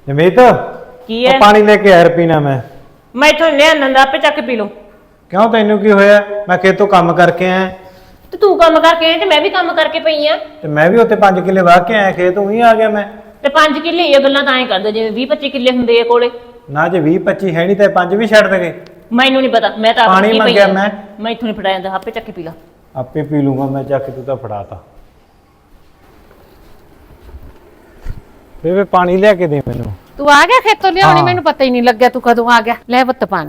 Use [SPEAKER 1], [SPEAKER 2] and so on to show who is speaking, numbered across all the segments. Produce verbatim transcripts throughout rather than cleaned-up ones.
[SPEAKER 1] जमीत
[SPEAKER 2] की है
[SPEAKER 1] पानी लेके आया पीना मैं
[SPEAKER 2] मैं इथों ले आंदा आपे चक पी लो।
[SPEAKER 1] क्यों तेनू की होया? मैं खेतों काम करके आया
[SPEAKER 2] ते तू काम करके आया ते मैं भी काम करके पई आ
[SPEAKER 1] ते मैं भी उत्ते पांच किले वाह के आया खेत वहीं आ गया मैं।
[SPEAKER 2] ते पांच किले ये गल्लां तां ही करदे जिवें बीस पच्चीस किले हुंदे आ कोले।
[SPEAKER 1] ना जे बीस पच्चीस है नहीं ते पांच भी छड़ देंगे।
[SPEAKER 2] मैनू नहीं पता मैं तो
[SPEAKER 1] पानी मंगया मैं
[SPEAKER 2] मैं इथों नहीं फड़ा जांदा आपे चक पी ला।
[SPEAKER 1] आपे पी लूंगा मैं जाके, तू तो फड़ाता। बेबे पानी लेके दे मैनू।
[SPEAKER 3] तू आ गया खेतों लियाउणी?
[SPEAKER 1] हाँ।
[SPEAKER 3] मैनू पता ही नहीं लग्या तू कदों आ गया। ले पुत्त पानी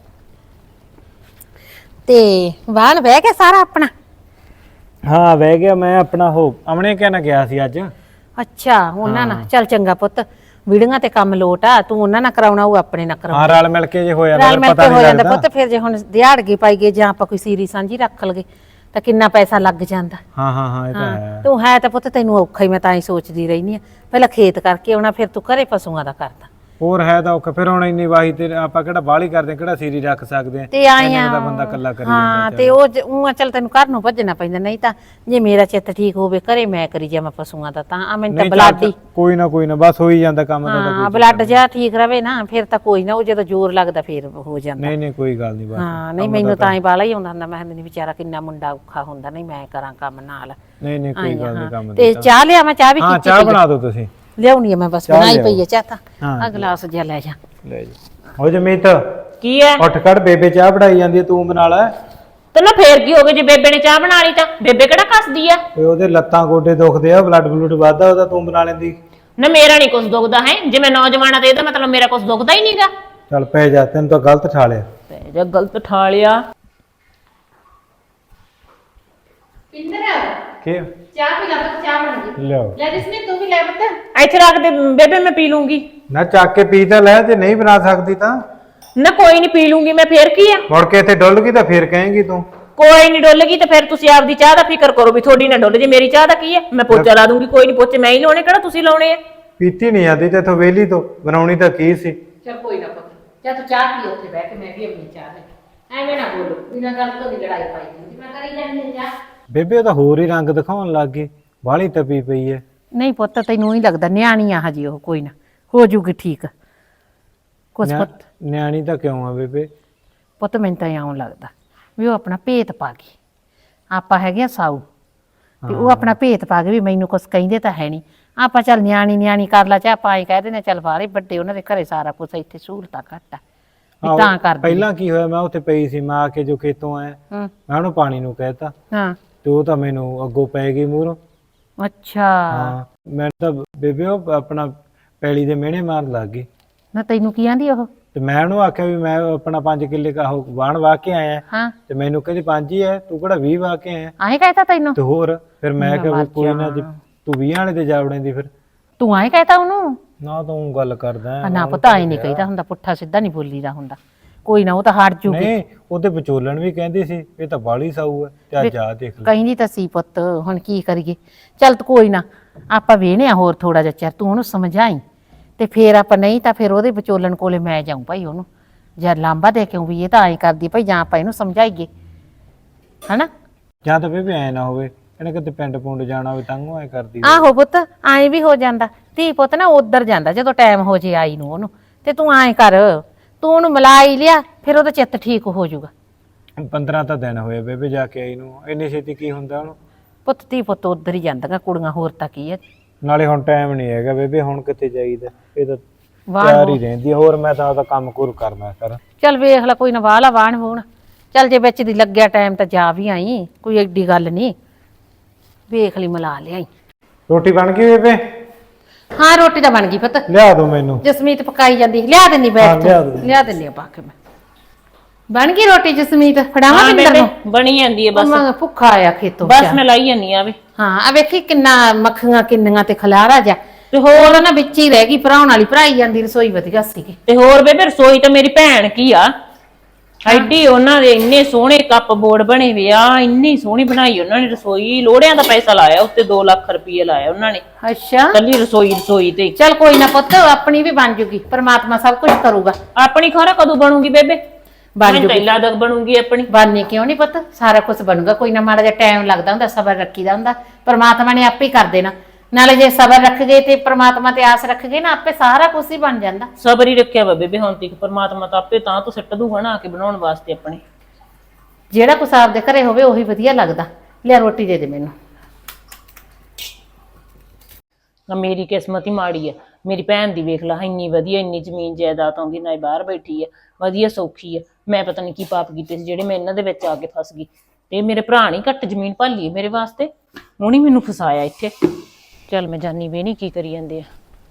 [SPEAKER 3] ते वाहन बह गया सारा अपना?
[SPEAKER 1] हाँ बह गया मैं अपना। हो अमने क्या ना गया सी अज।
[SPEAKER 3] अच्छा उन्हां ना चल चंगा पुत्त, ਵੀਡੀਆਂ ਤੇ ਕੰਮ ਲੋਟ ਆ, ਤੂੰ ਉਹਨਾਂ ਨਾਲ ਕਰਾਉਣਾ ਉਹ ਆਪਣੇ ਨਾਲ ਕਰਾਉਣਾ।
[SPEAKER 1] हाँ रल मिल के जे हो जांदा
[SPEAKER 3] ਰਲ ਮਿਲ
[SPEAKER 1] पता
[SPEAKER 3] ਕੇ
[SPEAKER 1] नहीं
[SPEAKER 3] ਹੋ ਜਾਂਦਾ
[SPEAKER 1] लगदा।
[SPEAKER 3] ਪੁੱਤ। ਫਿਰ ਜੇ ਹੁਣ ਦਿਹਾੜਗੀ ਪਾਈ ਗਏ ਜਾਂ ਆਪਾਂ ਕੋਈ ਸੀਰੀ ਸਾਂਝੀ ਰੱਖ ਲਗੇ ਤਾਂ ਕਿੰਨਾ ਪੈਸਾ ਲੱਗ ਜਾਂਦਾ।
[SPEAKER 1] हाँ हाँ हाँ ये तो है।
[SPEAKER 3] ਤੂੰ ਹੈ ਤਾਂ ਪੁੱਤ ਤੈਨੂੰ ਔਖਾ ਹੀ, ਮੈਂ ਤਾਂ ਹੀ ਸੋਚਦੀ ਰਹਿਨੀ ਆ ਪਹਿਲਾਂ ਖੇਤ ਕਰਕੇ ਆਉਣਾ ਫਿਰ ਤੂੰ ਘਰੇ ਪਸ਼ੂਆਂ ਦਾ ਕਰਦਾ।
[SPEAKER 1] ਹੋਰ ਹੈ ਤਾਂ ਔਖਾ ਫਿਰ ਹੁਣ ਇੰਨੀ ਵਾਹੀ ਤੇ ਆਪਾਂ ਕਿਹੜਾ ਬਾਹਲੀ ਕਰਦੇ ਕਿਹੜਾ ਸੀਰੀ ਰੱਖ ਸਕਦੇ ਆ।
[SPEAKER 3] ਤੇ ਆਇਆ
[SPEAKER 1] ਦਾ ਬੰਦਾ ਇਕੱਲਾ ਕਰੀ
[SPEAKER 3] ਹਾਂ
[SPEAKER 1] ਜਾਂਦਾ।
[SPEAKER 3] ਤੇ ਉਹ ਉਹ ਚੱਲ ਤੈਨੂੰ ਘਰ ਨੂੰ ਭੱਜਣਾ ਪੈਂਦਾ, ਨਹੀਂ ਤਾਂ ਜੇ ਮੇਰਾ ਚਿੱਤ ਠੀਕ ਹੋਵੇ ਘਰੇ ਮੈਂ ਕਰੀ ਜਾਵਾਂ ਪਸ਼ੂਆਂ ਦਾ ਤਾਂ ਆ ਮੈਨੂੰ ਤਾਂ ਬਲੱਡ ਹੀ
[SPEAKER 1] ਕੋਈ ਨਾ ਕੋਈ ਨਾ ਬਸ ਹੋ ਹੀ ਜਾਂਦਾ ਕੰਮ ਦਾ ਤਾਂ
[SPEAKER 3] ਹਾਂ ਬਲੱਡ ਜਿਹਾ ਠੀਕ ਰਵੇ ਨਾ ਫਿਰ ਤਾਂ ਕੋਈ ਨਾ, ਉਹ ਜਦੋਂ ਜ਼ੋਰ ਲੱਗਦਾ ਫਿਰ ਹੋ ਜਾਂਦਾ।
[SPEAKER 1] ਨਹੀਂ ਨਹੀਂ ਕੋਈ ਗੱਲ ਨਹੀਂ ਬਸ।
[SPEAKER 3] ਹਾਂ ਨਹੀਂ ਮੈਨੂੰ ਤਾਂ ਹੀ ਬਾਲਾ ਹੀ ਆਉਂਦਾ ਹੁੰਦਾ, ਮੈਂ ਨਹੀਂ ਵਿਚਾਰਾ ਕਿੰਨਾ ਮੁੰਡਾ ਔਖਾ ਹੁੰਦਾ, ਨਹੀਂ ਮੈਂ ਕਰਾਂ ਕੰਮ ਨਾਲ।
[SPEAKER 1] ਨਹੀਂ ਨਹੀਂ ਕੋਈ ਗੱਲ ਨਹੀਂ ਕੰਮ
[SPEAKER 3] ਤੇ ਚਾਹ ਲਿਆ ਮੈਂ ਚਾਹ ਵੀ
[SPEAKER 1] ਹਾਂ
[SPEAKER 3] ਕੀਤੀ
[SPEAKER 1] ਚਾਹ ਬਣਾ ਦਿਓ ਤੁਸੀਂ।
[SPEAKER 3] ਲਿਆਉਣੀ ਆ ਮੈਂ ਬਸ ਬਣਾਈ ਪਈ ਆ ਚਾਹ ਤਾਂ
[SPEAKER 1] ਹਾਂ।
[SPEAKER 3] ਆ ਗਲਾਸ ਜਿਹਾ ਲੈ ਜਾ।
[SPEAKER 1] ਲੈ ਜੀ ਹੋ ਜਮੀਤ
[SPEAKER 2] की है
[SPEAKER 1] ਉੱਠ ਖੜ, ਬੇਬੇ ਚਾਹ ਬਣਾਈ ਜਾਂਦੀ ਹੈ ਤੂੰ ਬਣਾ ਲੈ।
[SPEAKER 2] ਤੇ ਨਾ ਫੇਰ ਕੀ ਹੋ ਗਿਆ ਜੇ ਬੇਬੇ ਨੇ ਚਾਹ ਬਣਾ ਲਈ ਤਾਂ? ਬੇਬੇ ਕਿਹੜਾ ਕੱਸਦੀ ਆ?
[SPEAKER 1] ਓਏ ਉਹਦੇ ਲੱਤਾਂ ਗੋਡੇ ਦੁਖਦੇ ਆ, ਬਲੱਡ ਬਲੂਡ ਵੱਧਦਾ ਉਹਦਾ, ਤੂੰ ਬਣਾ ਲੈਂਦੀ।
[SPEAKER 2] ਨਾ ਮੇਰਾ ਨਹੀਂ ਕੁਝ ਦੁਖਦਾ ਹੈ, ਜੇ ਮੈਂ ਨੌਜਵਾਨਾ ਤੇ ਇਹਦਾ ਮਤਲਬ ਮੇਰਾ ਕੁਝ ਦੁਖਦਾ ਹੀ ਨਹੀਂਗਾ।
[SPEAKER 1] ਚੱਲ ਪੈ ਜਾ, ਤੈਨੂੰ ਤਾਂ ਗਲਤ ਠਾ ਲਿਆ।
[SPEAKER 2] ਤੇ ਜੇ ਗਲਤ ਠਾ ਲਿਆ
[SPEAKER 3] ਪਿੰਦਰ
[SPEAKER 1] ਕੀ
[SPEAKER 3] ਚਾਹ ਪੀ ਲੈ ਪੁੱਤ, ਚਾਹ ਬਣ ਗਈ।
[SPEAKER 1] ਲਿਓ
[SPEAKER 3] ਲੈ ਜਿਸਨੇ ਤੂੰ ਵੀ ਲੈ ਪੁੱਤ।
[SPEAKER 2] ਇੱਥੇ ਰੱਖ ਦੇ ਬੇਬੇ, ਮੈਂ ਪੀ ਲੂੰਗੀ।
[SPEAKER 1] ਨਾ ਚੱਕ ਕੇ ਪੀ ਤਾਂ ਲੈ, ਜੇ ਨਹੀਂ ਬਣਾ ਸਕਦੀ ਤਾਂ
[SPEAKER 2] ਨਾ ਕੋਈ ਨਹੀਂ ਪੀ ਲੂੰਗੀ ਮੈਂ, ਫੇਰ ਕੀ ਆ?
[SPEAKER 1] ਮੁੜ ਕੇ ਇੱਥੇ ਡੁੱਲ ਗਈ ਤਾਂ ਫੇਰ ਕਹੇਂਗੀ ਤੂੰ।
[SPEAKER 2] ਕੋਈ ਨਹੀਂ ਡੁੱਲ ਗਈ ਤੇ ਫਿਰ ਤੁਸੀਂ ਆਪਦੀ ਚਾਹ ਦਾ ਫਿਕਰ ਕਰੋ ਵੀ ਤੁਹਾਡੀ ਨਾ ਡੁੱਲ ਜੇ, ਮੇਰੀ ਚਾਹ ਦਾ ਕੀ ਹੈ? ਮੈਂ ਪੋਚਾ ਲਾ ਦੂੰਗੀ, ਕੋਈ ਨਹੀਂ ਪੋਚੇ ਮੈਂ ਹੀ ਲਾਉਣੇ, ਕਿਹੜਾ ਤੁਸੀਂ ਲਾਉਣੇ ਆ?
[SPEAKER 1] ਪੀਤੀ ਨਹੀਂ ਆਦੀ ਤੇ ਇਥੋਂ ਵੇਲੀ ਤੋਂ ਬਣਾਉਣੀ ਤਾਂ ਕੀ ਸੀ।
[SPEAKER 3] ਚਲ ਕੋਈ ਨਾ ਪੁੱਤ, ਜਾ ਤੂੰ ਚਾਹ ਪੀ ਉੱਥੇ ਬਹਿ ਕੇ, ਮੈਂ ਵੀ ਆਪਣੀ ਚਾਹ ਲੈ। ਐਵੇਂ ਨਾ ਬੋਲੋ, ਬਿਨਾਂ ਗੱਲ ਤੋਂ ਦੀ ਲੜਾਈ ਪਾਈ ਹੁੰਦੀ, ਮੈਂ ਕਰੀ ਜਾਂਦੀ ਹਾਂ ਚਾਹ।
[SPEAKER 1] ਬੇਬੇ ਤਾਂ ਹੋਰ ਹੀ ਰੰਗ ਦਿਖਾਉਣ ਲੱਗ ਗਈ, ਬਾਹਲੀ ਤਪੀ ਪਈ ਐ।
[SPEAKER 3] ਨਹੀਂ ਪੁੱਤ ਤੈਨੂੰ ਹੀ ਲੱਗਦਾ ਨਿਆਣੀ ਆ ਹਜੀ, ਉਹ ਕੋਈ ਨਾ ਹੋ ਜੂਗੀ ਠੀਕ ਕੁਛ
[SPEAKER 1] ਨਿਆ-
[SPEAKER 3] ਪੁੱਤ।
[SPEAKER 1] ਨਿਆਣੀ ਤਾਂ ਕਿਉਂ ਆ ਬੇਬੇ?
[SPEAKER 3] ਪੁੱਤ ਮੈਨੂੰ ਤਾਂ ਇਉਂ ਲੱਗਦਾ ਵੀ ਉਹ ਆਪਣਾ ਭੇਤ ਪਾ ਗਈ, ਆਪਾਂ ਹੈਗੇ ਆ ਸਾਊ ਤੇ ਉਹ ਆਪਣਾ ਭੇਤ ਪਾ ਗਏ ਵੀ ਮੈਨੂੰ ਕੁਛ ਕਹਿੰਦੇ ਤਾਂ ਹੈ ਨਹੀਂ, ਆਪਾਂ ਚੱਲ ਨਿਆਣੀ ਨਿਆਣੀ ਕਰ ਲਾ, ਚਾਹ ਆਪਾਂ ਐਂ ਕਹਿ ਦਿੰਦੇ ਚੱਲ ਬਾਹਰੇ ਵੱਡੇ ਉਹਨਾਂ ਦੇ ਘਰੇ ਸਾਰਾ ਕੁਛ, ਇੱਥੇ ਸਹੂਲਤਾਂ ਘੱਟ ਆ ਵੀ ਤਾਂ ਕਰਦੀ।
[SPEAKER 1] ਪਹਿਲਾਂ ਕੀ ਹੋਇਆ, ਮੈਂ ਉੱਥੇ ਪਈ ਸੀ, ਮੈਂ ਆ ਕੇ ਜੋ ਖੇਤੋਂ ਆਇਆ
[SPEAKER 3] ਹੂੰ
[SPEAKER 1] ਮੈਂ ਉਹਨੂੰ ਪਾਣੀ ਨੂੰ ਕਹਿਤਾ
[SPEAKER 3] ਹਾਂ
[SPEAKER 1] ਤੇ ਉਹ ਤਾਂ ਮੈਨੂੰ ਅੱਗੋਂ ਪੈ ਗਈ ਮੂਹਰੋਂ।
[SPEAKER 3] ਅੱਛਾ
[SPEAKER 1] ਹਾਂ ਮੈਂ ਤਾਂ ਬੇਬੇ ਉਹ ਆਪਣਾ ਪੈਲੀ ਦੇ ਮਿਹਣੇ ਮਾਰਨ ਲੱਗ ਗਈ
[SPEAKER 3] ਨਾ ਤੈਨੂੰ ਕੀ ਆਂਦੀ ਉਹ?
[SPEAKER 1] ਤੇ ਮੈਂ ਉਹਨੂੰ ਆਖਿਆ ਵੀ ਮੈਂ ਆਪਣਾ ਪੰਜ ਕਿੱਲੇ ਕਾ ਉਹ ਵਾਹਣ ਵਾਹ ਕੇ ਆਇਆ
[SPEAKER 3] ਹਾਂ
[SPEAKER 1] ਤੇ ਮੈਨੂੰ ਕਹਿੰਦੀ ਪੰਜ ਹੀ ਐ, ਤੂੰ ਕਿਹੜਾ ਵੀਹ ਵਾਹ ਕੇ ਆਇਆ?
[SPEAKER 3] ਆਏ ਕਹਿਤਾ ਤੈਨੂੰ?
[SPEAKER 1] ਤੇ ਹੋਰ ਫਿਰ ਮੈਂ ਕਿਹਾ ਵੀ ਕੋਈ ਨਾ, ਜੇ ਤੂੰ ਵੀਹ ਵਾਲੇ ਤੇ ਜਾ ਵੜੇਂਦੀ ਫਿਰ।
[SPEAKER 3] ਤੂੰ ਆਏ ਕਹਿਤਾ ਉਹਨੂੰ?
[SPEAKER 1] ਨਾ ਤੂੰ ਗੱਲ ਕਰਦਾ
[SPEAKER 3] ਆ ਨਾ ਪਤਾ ਹੀ ਨਹੀਂ ਕਹੀਦਾ ਹੁੰਦਾ, ਪੁੱਠਾ ਸਿੱਧਾ ਨਹੀਂ ਬੋਲੀਦਾ ਹੁੰਦਾ। ਕੋਈ ਨਾ ਉਹ ਤਾਂ ਹਟ ਜੂਗੀ।
[SPEAKER 1] ਨਹੀਂ ਉਹਦੇ ਵਿਚੋਲਣ ਵੀ ਕਹਿੰਦੀ ਸੀ ਇਹ ਤਾਂ ਬਾਲੀ ਸਾਊ ਹੈ ਤੇ ਅੱਜ ਆ ਦੇਖ ਲੈ।
[SPEAKER 3] ਕਹਿੰਦੀ ਤਾਂ ਸੀ ਪੁੱਤ, ਹੁਣ ਕੀ ਕਰੀਏ? ਚੱਲ ਤੂੰ ਕੋਈ ਨਾ, ਆਪਾਂ ਵੇਹਨੇ ਆ ਹੋਰ ਥੋੜਾ ਜਿਹਾ ਚਿਰ, ਤੂੰ ਉਹਨੂੰ ਸਮਝਾਈ ਤੇ ਫੇਰ ਆਪਾਂ, ਨਹੀਂ ਤਾਂ ਫਿਰ ਉਹਦੇ ਵਿਚੋਲਣ ਕੋਲੇ ਮੈਂ ਜਾਊਂ ਭਾਈ, ਉਹਨੂੰ ਜਦ ਲਾਂਬਾ ਦੇ ਕੇ ਵੀ ਇਹ ਤਾਂ ਐਂ ਕਰਦੀ ਭਾਈ, ਜਾਂ ਆਪਾਂ ਇਹਨੂੰ ਸਮਝਾਈਏ ਹਨਾ।
[SPEAKER 1] ਜਾਂ ਤਾਂ ਬੇਬੇ ਐ ਨਾ ਹੋਵੇ ਇਹਨੇ ਕਿਤੇ ਪਿੰਡ ਪੁੰਡ ਜਾਣਾ ਹੋਵੇ ਤਾਂ ਉਹ ਐ ਕਰਦੀ।
[SPEAKER 3] ਆਹੋ ਪੁੱਤ ਐਂ ਵੀ ਹੋ ਜਾਂਦਾ, ਧੀ ਪੁੱਤ ਨਾ ਉਧਰ ਜਾਂਦਾ ਜਦੋਂ ਟਾਈਮ ਹੋ ਜੇ ਆਈ ਨੂੰ ਉਹਨੂੰ, ਤੇ ਤੂੰ ਐਂ ਕਰ, ਤੂੰ ਉਹਨੂੰ ਮਿਲਾਈ ਲਿਆ, ਫਿਰ ਉਹਦਾ ਚਿੱਤ ਠੀਕ ਹੋ ਜਾਊਗਾ।
[SPEAKER 1] ਪੰਦਰਾਂ ਤਾਂ ਦਿਨ ਹੋਏ ਬੇਬੇ ਜਾ ਕੇ ਆਈ ਨੂੰ, ਇੰਨੀ ਛੇਤੀ ਕੀ ਹੁੰਦਾ ਉਹਨੂੰ?
[SPEAKER 3] ਪੁੱਤ ਧੀ ਪੁੱਤ ਉਧਰ ਹੀ ਜਾਂਦੀਆਂ ਕੁੜੀਆਂ, ਹੋਰ ਤਾਂ ਕੀ ਹੈ।
[SPEAKER 1] ਨਾਲੇ ਹੁਣ ਟਾਈਮ ਨਹੀਂ ਹੈਗਾ ਬੇਬੇ, ਹੁਣ ਕਿੱਥੇ ਜਾਈਦਾ, ਇਹ ਤਾਂ
[SPEAKER 3] ਵਾਹ
[SPEAKER 1] ਤਿਆਰ ਹੀ ਰਹਿੰਦੀ ਆ। ਹੋਰ ਮੈਂ ਤਾਂ ਉਹਦਾ ਕੰਮ ਕੁਰ ਕਰਨਾ ਕਰ।
[SPEAKER 3] ਚੱਲ ਵੇਖ ਲੈ, ਕੋਈ ਨਾ ਵਾਹ ਲਾ ਵਾਣ ਵੂਣ, ਚੱਲ ਜੇ ਵਿੱਚ ਦੀ ਲੱਗਿਆ ਟਾਈਮ ਤਾਂ ਜਾ ਵੀ ਆਈ, ਕੋਈ ਐਡੀ ਗੱਲ ਨਹੀਂ, ਵੇਖ ਲਈ ਮਿਲਾ ਲਿਆਈ।
[SPEAKER 1] ਰੋਟੀ ਬਣ ਗਈ ਬੇਬੇ?
[SPEAKER 3] ਹਾਂ ਰੋਟੀ ਤਾਂ ਬਣ ਗਈ ਪੁੱਤ,
[SPEAKER 1] ਲਿਆ ਦੋ ਮੈਨੂੰ।
[SPEAKER 3] ਜਸਮੀਤ ਪਕਾਈ ਜਾਂਦੀ, ਲਿਆ ਦਿੰਨੀ ਬੈਠ
[SPEAKER 1] ਹਾਂ, ਲਿਆ
[SPEAKER 3] ਤੂੰ,
[SPEAKER 1] ਦਿੰਦੀ।
[SPEAKER 3] ਲਿਆ ਦਿੰਨੀ ਆ ਪਾ ਕੇ ਮੈਂ। ਬਣ ਗਈ ਰੋਟੀ ਜਸਮੀਤ? ਫੜਾਵਾਂ
[SPEAKER 2] ਹਾਂ
[SPEAKER 3] ਬਿੰਦਰ
[SPEAKER 2] ਬੇਬੇ
[SPEAKER 3] ਨੂੰ?
[SPEAKER 2] ਬਣੀ ਜਾਂਦੀ ਹੈ ਬਸ,
[SPEAKER 3] ਮੈਂ ਭੁੱਖਾ ਆਇਆ ਖੇਤੋਂ
[SPEAKER 2] ਬਸ ਮੈਂ ਲਾਈ ਜਾਂਦੀ ਆ ਵੇ।
[SPEAKER 3] ਹਾਂ ਆ ਵੇਖੀ ਕਿੰਨਾ ਮੱਖੀਆਂ ਕਿੰਨੀਆਂ ਤੇ ਖਲਾਰਾ ਜਾ, ਤੇ ਹੋਰ ਨਾ ਵਿੱਚ ਹੀ ਰਹਿ ਗਈ, ਭਰਾਉਣ ਵਾਲੀ ਭਰਾਈ ਜਾਂਦੀ, ਰਸੋਈ ਵਧੀਆ ਸੀਗੀ।
[SPEAKER 2] ਤੇ ਹੋਰ ਬੇਬੇ ਰਸੋਈ ਤਾਂ ਮੇਰੀ ਭੈਣ ਕੀ ਆ, ਐਡੀ ਉਹਨਾਂ ਦੇ ਇੰਨੇ ਸੋਹਣੇ ਕੱਪ ਬੋਰਡ ਬਣੇ ਵੇ ਆ, ਇੰਨੀ ਸੋਹਣੀ ਬਣਾਈ ਉਹਨਾਂ ਨੇ ਰਸੋਈ, ਲੋੜਿਆਂ ਦਾ ਪੈਸਾ ਲਾਇਆ ਉੱਤੇ, ਦੋ ਲੱਖ ਰੁਪਏ ਲਾਇਆ ਉਹਨਾਂ ਨੇ
[SPEAKER 3] ਅੱਛਾ
[SPEAKER 2] ਕੱਲੀ ਰਸੋਈ ਰਸੋਈ ਤੇ।
[SPEAKER 3] ਚੱਲ ਕੋਈ ਨਾ ਪੁੱਤ, ਆਪਣੀ ਵੀ ਬਣ ਜੂਗੀ, ਪਰਮਾਤਮਾ ਸਭ ਕੁਝ ਕਰੂਗਾ।
[SPEAKER 2] ਆਪਣੀ ਖਰਾ ਕਦੋਂ ਬਣੂਗੀ ਬੇਬੇ?
[SPEAKER 3] ਬਣ
[SPEAKER 2] ਮੈਨੂੰ ਤਾਂ
[SPEAKER 3] ਜੂਗੀ,
[SPEAKER 2] ਲੱਗਦਾ ਬਣੂਗੀ ਆਪਣੀ।
[SPEAKER 3] ਬਾਨੇ ਕਿਉਂ ਨਹੀਂ ਪੁੱਤ, ਸਾਰਾ ਕੁਝ ਬਣੂਗਾ, ਕੋਈ ਨਾ ਮਾੜਾ ਜਿਹਾ ਟਾਈਮ ਲੱਗਦਾ ਹੁੰਦਾ, ਸਬਰ ਰੱਖੀਦਾ ਹੁੰਦਾ, ਪਰਮਾਤਮਾ ਨੇ ਆਪੇ ਹੀ ਕਰ ਦੇਣਾ। ਨਾਲੇ ਜੇ ਸਬਰ ਰੱਖ ਗਏ ਤੇ ਪ੍ਰਮਾਤਮਾ ਤੇ ਆਸ ਰੱਖ ਗਏ ਨਾ ਆਪੇ ਸਾਰਾ ਕੁਝ ਹੀ ਬਣ ਜਾਂਦਾ।
[SPEAKER 2] ਸਬਰ ਹੀ ਰੱਖਿਆ ਵਾ ਬੇਬੇ ਹੁਣ ਤੱਕ, ਪਰਮਾਤਮਾ ਤਾਂ ਆਪੇ ਤਾਂ ਤੋਂ ਸਿੱਟ ਦੂਗਾ ਨਾ ਆ ਕੇ ਬਣਾਉਣ ਵਾਸਤੇ ਆਪਣੇ।
[SPEAKER 3] ਜਿਹੜਾ ਕੁਛ ਆਪਦੇ ਘਰੇ ਹੋਵੇ ਉਹੀ ਵਧੀਆ ਲੱਗਦਾ। ਲਿਆ ਰੋਟੀ ਦੇ ਦੇ ਮੈਨੂੰ।
[SPEAKER 2] ਆ ਮੇਰੀ ਕਿਸਮਤ ਹੀ ਮਾੜੀ ਆ, ਮੇਰੀ ਭੈਣ ਦੀ ਵੇਖ ਲਾ ਇੰਨੀ ਵਧੀਆ, ਇੰਨੀ ਜ਼ਮੀਨ ਜਾਇਦਾਦ ਆਉਂਦੀ ਨਾ, ਬਾਹਰ ਬੈਠੀ ਆ ਵਧੀਆ ਸੌਖੀ ਆ। ਮੈਂ ਪਤਾ ਨਹੀਂ ਕੀ ਪਾਪ ਕੀਤੇ ਸੀ ਜਿਹੜੇ ਮੈਂ ਇਹਨਾਂ ਦੇ ਵਿੱਚ ਆ ਕੇ ਫਸ ਗਈ। ਤੇ ਮੇਰੇ ਭਰਾ ਨਹੀਂ ਘੱਟ ਜ਼ਮੀਨ ਭਾਲੀ ਮੇਰੇ ਵਾਸਤੇ, ਉਹਨੇ ਮੈਨੂੰ ਫਸਾਇਆ ਇੱਥੇ। ਚੱਲ ਮੈਂ ਜਾਨੀ ਵੀ ਨਹੀਂ ਕੀ ਕਰੀ ਜਾਂਦੇ ਆ।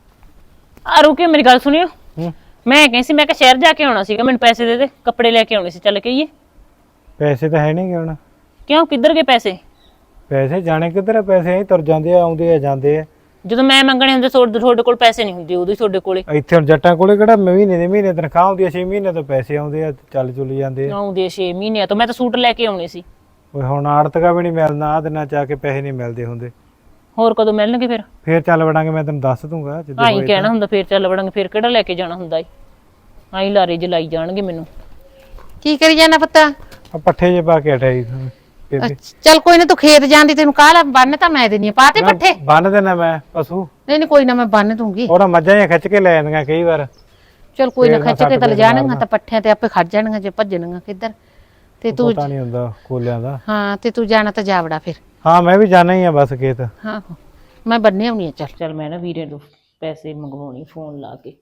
[SPEAKER 2] ਆ ਰੁਕਿਓ ਮੇਰੀ ਗੱਲ ਸੁਣਿਓ, ਮੈਂ ਕਹਿੰਦੀ ਸੀ ਮੈਂ ਕਿ ਸ਼ਹਿਰ ਜਾ ਕੇ ਆਉਣਾ ਸੀਗਾ, ਮੈਨੂੰ ਪੈਸੇ ਦੇ ਦੇ, ਕੱਪੜੇ ਲੈ ਕੇ ਆਉਣੇ ਸੀ, ਚੱਲ ਕੇ ਆਈਏ।
[SPEAKER 1] ਪੈਸੇ ਤਾਂ ਹੈ ਨਹੀਂ ਹੁਣ।
[SPEAKER 2] ਕਿਉਂ ਕਿੱਧਰ ਗਏ ਪੈਸੇ?
[SPEAKER 1] ਪੈਸੇ ਜਾਣੇ ਕਿੱਧਰ ਆ, ਪੈਸੇ ਐਂ ਤੁਰ ਜਾਂਦੇ ਆ, ਆਉਂਦੇ ਆ ਜਾਂਦੇ ਆ।
[SPEAKER 2] ਜਦੋਂ ਮੈਂ ਮੰਗਣੇ ਹੁੰਦੇ ਤੁਹਾਡੇ ਤੁਹਾਡੇ ਕੋਲ ਪੈਸੇ ਨਹੀਂ ਹੁੰਦੇ, ਉਦੋਂ ਹੀ ਤੁਹਾਡੇ ਕੋਲੇ।
[SPEAKER 1] ਇੱਥੇ ਹੁਣ ਜੱਟਾਂ ਕੋਲੇ ਕਿਹੜਾ ਮਹੀਨੇ ਦੇ ਮਹੀਨੇ ਤਨਖਾਹ ਆਉਂਦੀ ਆ, ਛੇ ਮਹੀਨੇ ਤੋਂ ਪੈਸੇ ਆਉਂਦੇ ਆ, ਚੱਲ ਚੁੱਲ ਜਾਂਦੇ ਆ।
[SPEAKER 2] ਆਉਂਦੇ ਛੇ ਮਹੀਨਿਆਂ ਤੋਂ। ਮੈਂ ਤਾਂ ਸੂਟ ਲੈ ਕੇ ਆਉਣੇ ਸੀ।
[SPEAKER 1] ਓਏ ਹੁਣ ਆੜਤਕਾ ਵੀ ਨਹੀਂ ਮਿਲਣਾ, ਆਹ ਦਿਨਾਂ ਚ ਆ ਕੇ ਪੈਸੇ ਨਹੀਂ ਮਿਲਦੇ ਹੁੰਦੇ।
[SPEAKER 2] ਹੋਰ ਕਦੋਂ ਮਿਲਣਗੇ ਫਿਰ?
[SPEAKER 1] ਫੇਰ ਚੱਲ ਵੜਾਂਗੇ, ਮੈਂ ਤੈਨੂੰ ਦੱਸ ਦੂੰਗਾ ਜਦੋਂ
[SPEAKER 2] ਆਈ ਕਹਿਣਾ ਹੁੰਦਾ ਫੇਰ ਚੱਲ ਵੜਾਂਗੇ, ਫੇਰ ਕਿਹੜਾ ਲੈ ਕੇ ਜਾਣਾ ਹੁੰਦਾ ਈ। ਆਈ ਲਾਰੇ ਜਲਾਈ ਜਾਣਗੇ ਮੈਨੂੰ।
[SPEAKER 3] ਕੀ ਕਰੀ ਜਾਣਾ ਪੁੱਤ?
[SPEAKER 1] ਆ ਪੱਠੇ ਜੇ ਪਾ ਕੇ ਹਟਾਈ ਬੇਬੇ।
[SPEAKER 3] ਚੱਲ ਕੋਈ ਨਾ, ਤੂੰ ਖੇਤ ਜਾਂਦੀ ਤੈਨੂੰ ਕਾਹਲਾ ਬੰਨ ਤਾਂ ਮੈਂ ਦੇਣੀ ਆ, ਪਾ ਤੇ ਪੱਠੇ।
[SPEAKER 1] ਬੰਨ ਦੇਣਾ ਮੈਂ ਪਸ਼ੂ।
[SPEAKER 3] ਨਹੀਂ ਨਹੀਂ ਕੋਈ ਨਾ, ਮੈਂ ਬੰਨ ਦੂੰਗੀ।
[SPEAKER 1] ਉਹਦਾ ਮੱਝਾਂ ਜਾਂ ਖਿੱਚ ਕੇ ਲੈ ਜਾਂਦੀਆਂ ਕਈ ਵਾਰ।
[SPEAKER 3] ਚਲ ਕੋਈ ਨਾ, ਖਿੱਚ ਕੇ ਤਾਂ ਲਿਜਾਣਗਾ ਤਾਂ ਪੱਠਿਆਂ ਤੇ ਆਪੇ ਖੜ ਜਾਣਗਾ ਜੇ ਭੱਜਣਗਾ ਕਿੱਧਰ। ਤੇ ਤੂੰ
[SPEAKER 1] ਪਤਾ ਨਹੀਂ ਹੁੰਦਾ ਕੋਲਿਆਂ ਦਾ।
[SPEAKER 3] ਹਾਂ ਤੇ ਤੂੰ ਜਾਣਾ ਤਾਂ ਜਾਵੜਾ ਫਿਰ।
[SPEAKER 1] ਹਾਂ ਮੈਂ ਵੀ ਜਾਣਾ ਹੀ ਆ ਬਸ ਖੇਤ।
[SPEAKER 3] ਹਾਂ ਮੈਂ ਬੰਨੇ ਆਉਣੀ ਆ। ਚੱਲ
[SPEAKER 2] ਚੱਲ ਮੈਂ ਨਾ ਵੀਰੇ ਤੋਂ ਪੈਸੇ ਮੰਗਵਾਉਣੀ ਫੋਨ ਲਾ ਕੇ।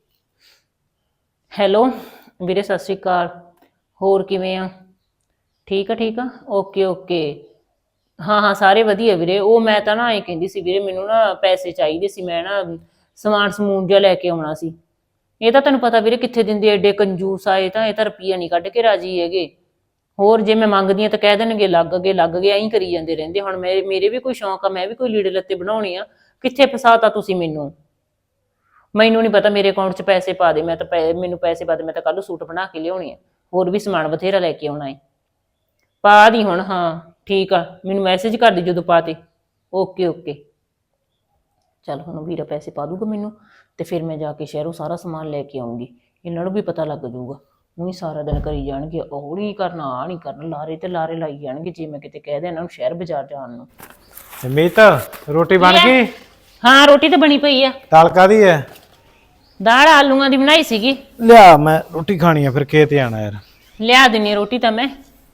[SPEAKER 2] ਹੈਲੋ ਵੀਰੇ ਸਤਿ ਸ਼੍ਰੀ ਅਕਾਲ, ਹੋਰ ਕਿਵੇਂ ਆ? ਠੀਕ ਆ ਠੀਕ ਆ, ਓਕੇ ਓਕੇ। ਹਾਂ ਹਾਂ ਸਾਰੇ ਵਧੀਆ ਵੀਰੇ। ਉਹ ਮੈਂ ਤਾਂ ਨਾ ਇਹ ਕਹਿੰਦੀ ਸੀ ਵੀਰੇ, ਮੈਨੂੰ ਨਾ ਪੈਸੇ ਚਾਹੀਦੇ ਸੀ, ਮੈਂ ਨਾ ਸਮਾਨ ਸਮੂਨ ਜਿਹਾ ਲੈ ਕੇ ਆਉਣਾ ਸੀ। ਇਹ ਤਾਂ ਤੈਨੂੰ ਪਤਾ ਵੀਰੇ ਕਿੱਥੇ ਦਿੰਦੇ, ਐਡੇ ਕੰਜੂਸ ਆਏ ਤਾਂ, ਇਹ ਤਾਂ ਰੁਪਈਆ ਨਹੀਂ ਕੱਢ ਕੇ ਰਾਜੀ ਹੈਗੇ। ਹੋਰ ਜੇ ਮੈਂ ਮੰਗਦੀ ਆ ਤਾਂ ਕਹਿ ਦੇਣਗੇ ਲੱਗ ਗਏ ਲੱਗ ਗਏ, ਐਂ ਕਰੀ ਜਾਂਦੇ ਰਹਿੰਦੇ। ਹੁਣ ਮੇਰੇ ਮੇਰੇ ਵੀ ਕੋਈ ਸ਼ੌਂਕ ਆ, ਮੈਂ ਵੀ ਕੋਈ ਲੀੜੇ ਲੱਤੇ ਬਣਾਉਣੇ ਆ। ਕਿੱਥੇ ਫਸਾਤਾ ਤੁਸੀਂ ਮੈਨੂੰ? ਮੈਨੂੰ ਨਹੀਂ ਪਤਾ, ਮੇਰੇ ਅਕਾਊਂਟ 'ਚ ਪੈਸੇ ਪਾ ਦੇ, ਮੈਂ ਤਾਂ ਮੈਨੂੰ ਪੈਸੇ ਪਾ ਦੇ, ਮੈਂ ਤਾਂ ਕੱਲ ਸੂਟ ਬਣਾ ਕੇ ਲਿਆਉਣੇ ਆ, ਹੋਰ ਵੀ ਸਮਾਨ ਬਥੇਰਾ ਲੈ ਕੇ ਆਉਣਾ ਹੈ। ਪਾ ਦੀ ਹੁਣ। ਹਾਂ ਠੀਕ ਆ, ਮੈਨੂੰ ਮੈਸੇਜ ਕਰ ਦੀ ਜਦੋਂ ਪਾ ਤੇ। Okay okay. ਚੱਲ ਹੁਣ ਵੀਰਾ ਪੈਸੇ ਪਾ ਦੂਗਾ ਮੈਨੂੰ, ਤੇ ਫਿਰ ਮੈਂ ਜਾ ਕੇ ਸ਼ਹਿਰੋਂ ਸਾਰਾ ਸਮਾਨ ਲੈ ਕੇ ਆਉਂਗੀ। ਇਹਨਾਂ ਨੂੰ ਵੀ ਪਤਾ ਲੱਗ ਜਾਊਗਾ। ਉਹੀ ਸਾਰਾ ਦਿਨ ਕਰੀ ਜਾਣਗੇ, ਉਹ ਨਹੀਂ ਕਰਨਾ ਆਹ ਨਹੀਂ ਕਰਨਾ, ਲਾਰੇ ਤੇ ਲਾਰੇ ਲਾਈ ਜਾਣਗੇ ਜੇ ਮੈਂ ਕਿਤੇ ਕਹਿ ਦਿਆਂ ਇਹਨਾਂ ਨੂੰ ਸ਼ਹਿਰ ਬਾਜ਼ਾਰ ਜਾਣ ਨੂੰ।
[SPEAKER 1] ਮੀਤ ਰੋਟੀ ਬਣ ਗਈ?
[SPEAKER 2] ਹਾਂ ਰੋਟੀ ਤਾਂ ਬਣੀ ਪਈ ਆ।
[SPEAKER 1] ਦਾਲ ਕਾਹਦੀ ਹੈ?
[SPEAKER 2] ਦਾਲ ਆਲੂਆਂ ਦੀ ਬਣਾਈ ਸੀਗੀ।
[SPEAKER 1] ਲਿਆ ਮੈਂ ਰੋਟੀ ਖਾਣੀ ਆ, ਫਿਰ ਖੇਤ ਜਾਣਾ ਯਾਰ।
[SPEAKER 2] ਲਿਆ ਦਿੰਨੀ ਆ ਰੋਟੀ ਤਾਂ ਮੈਂ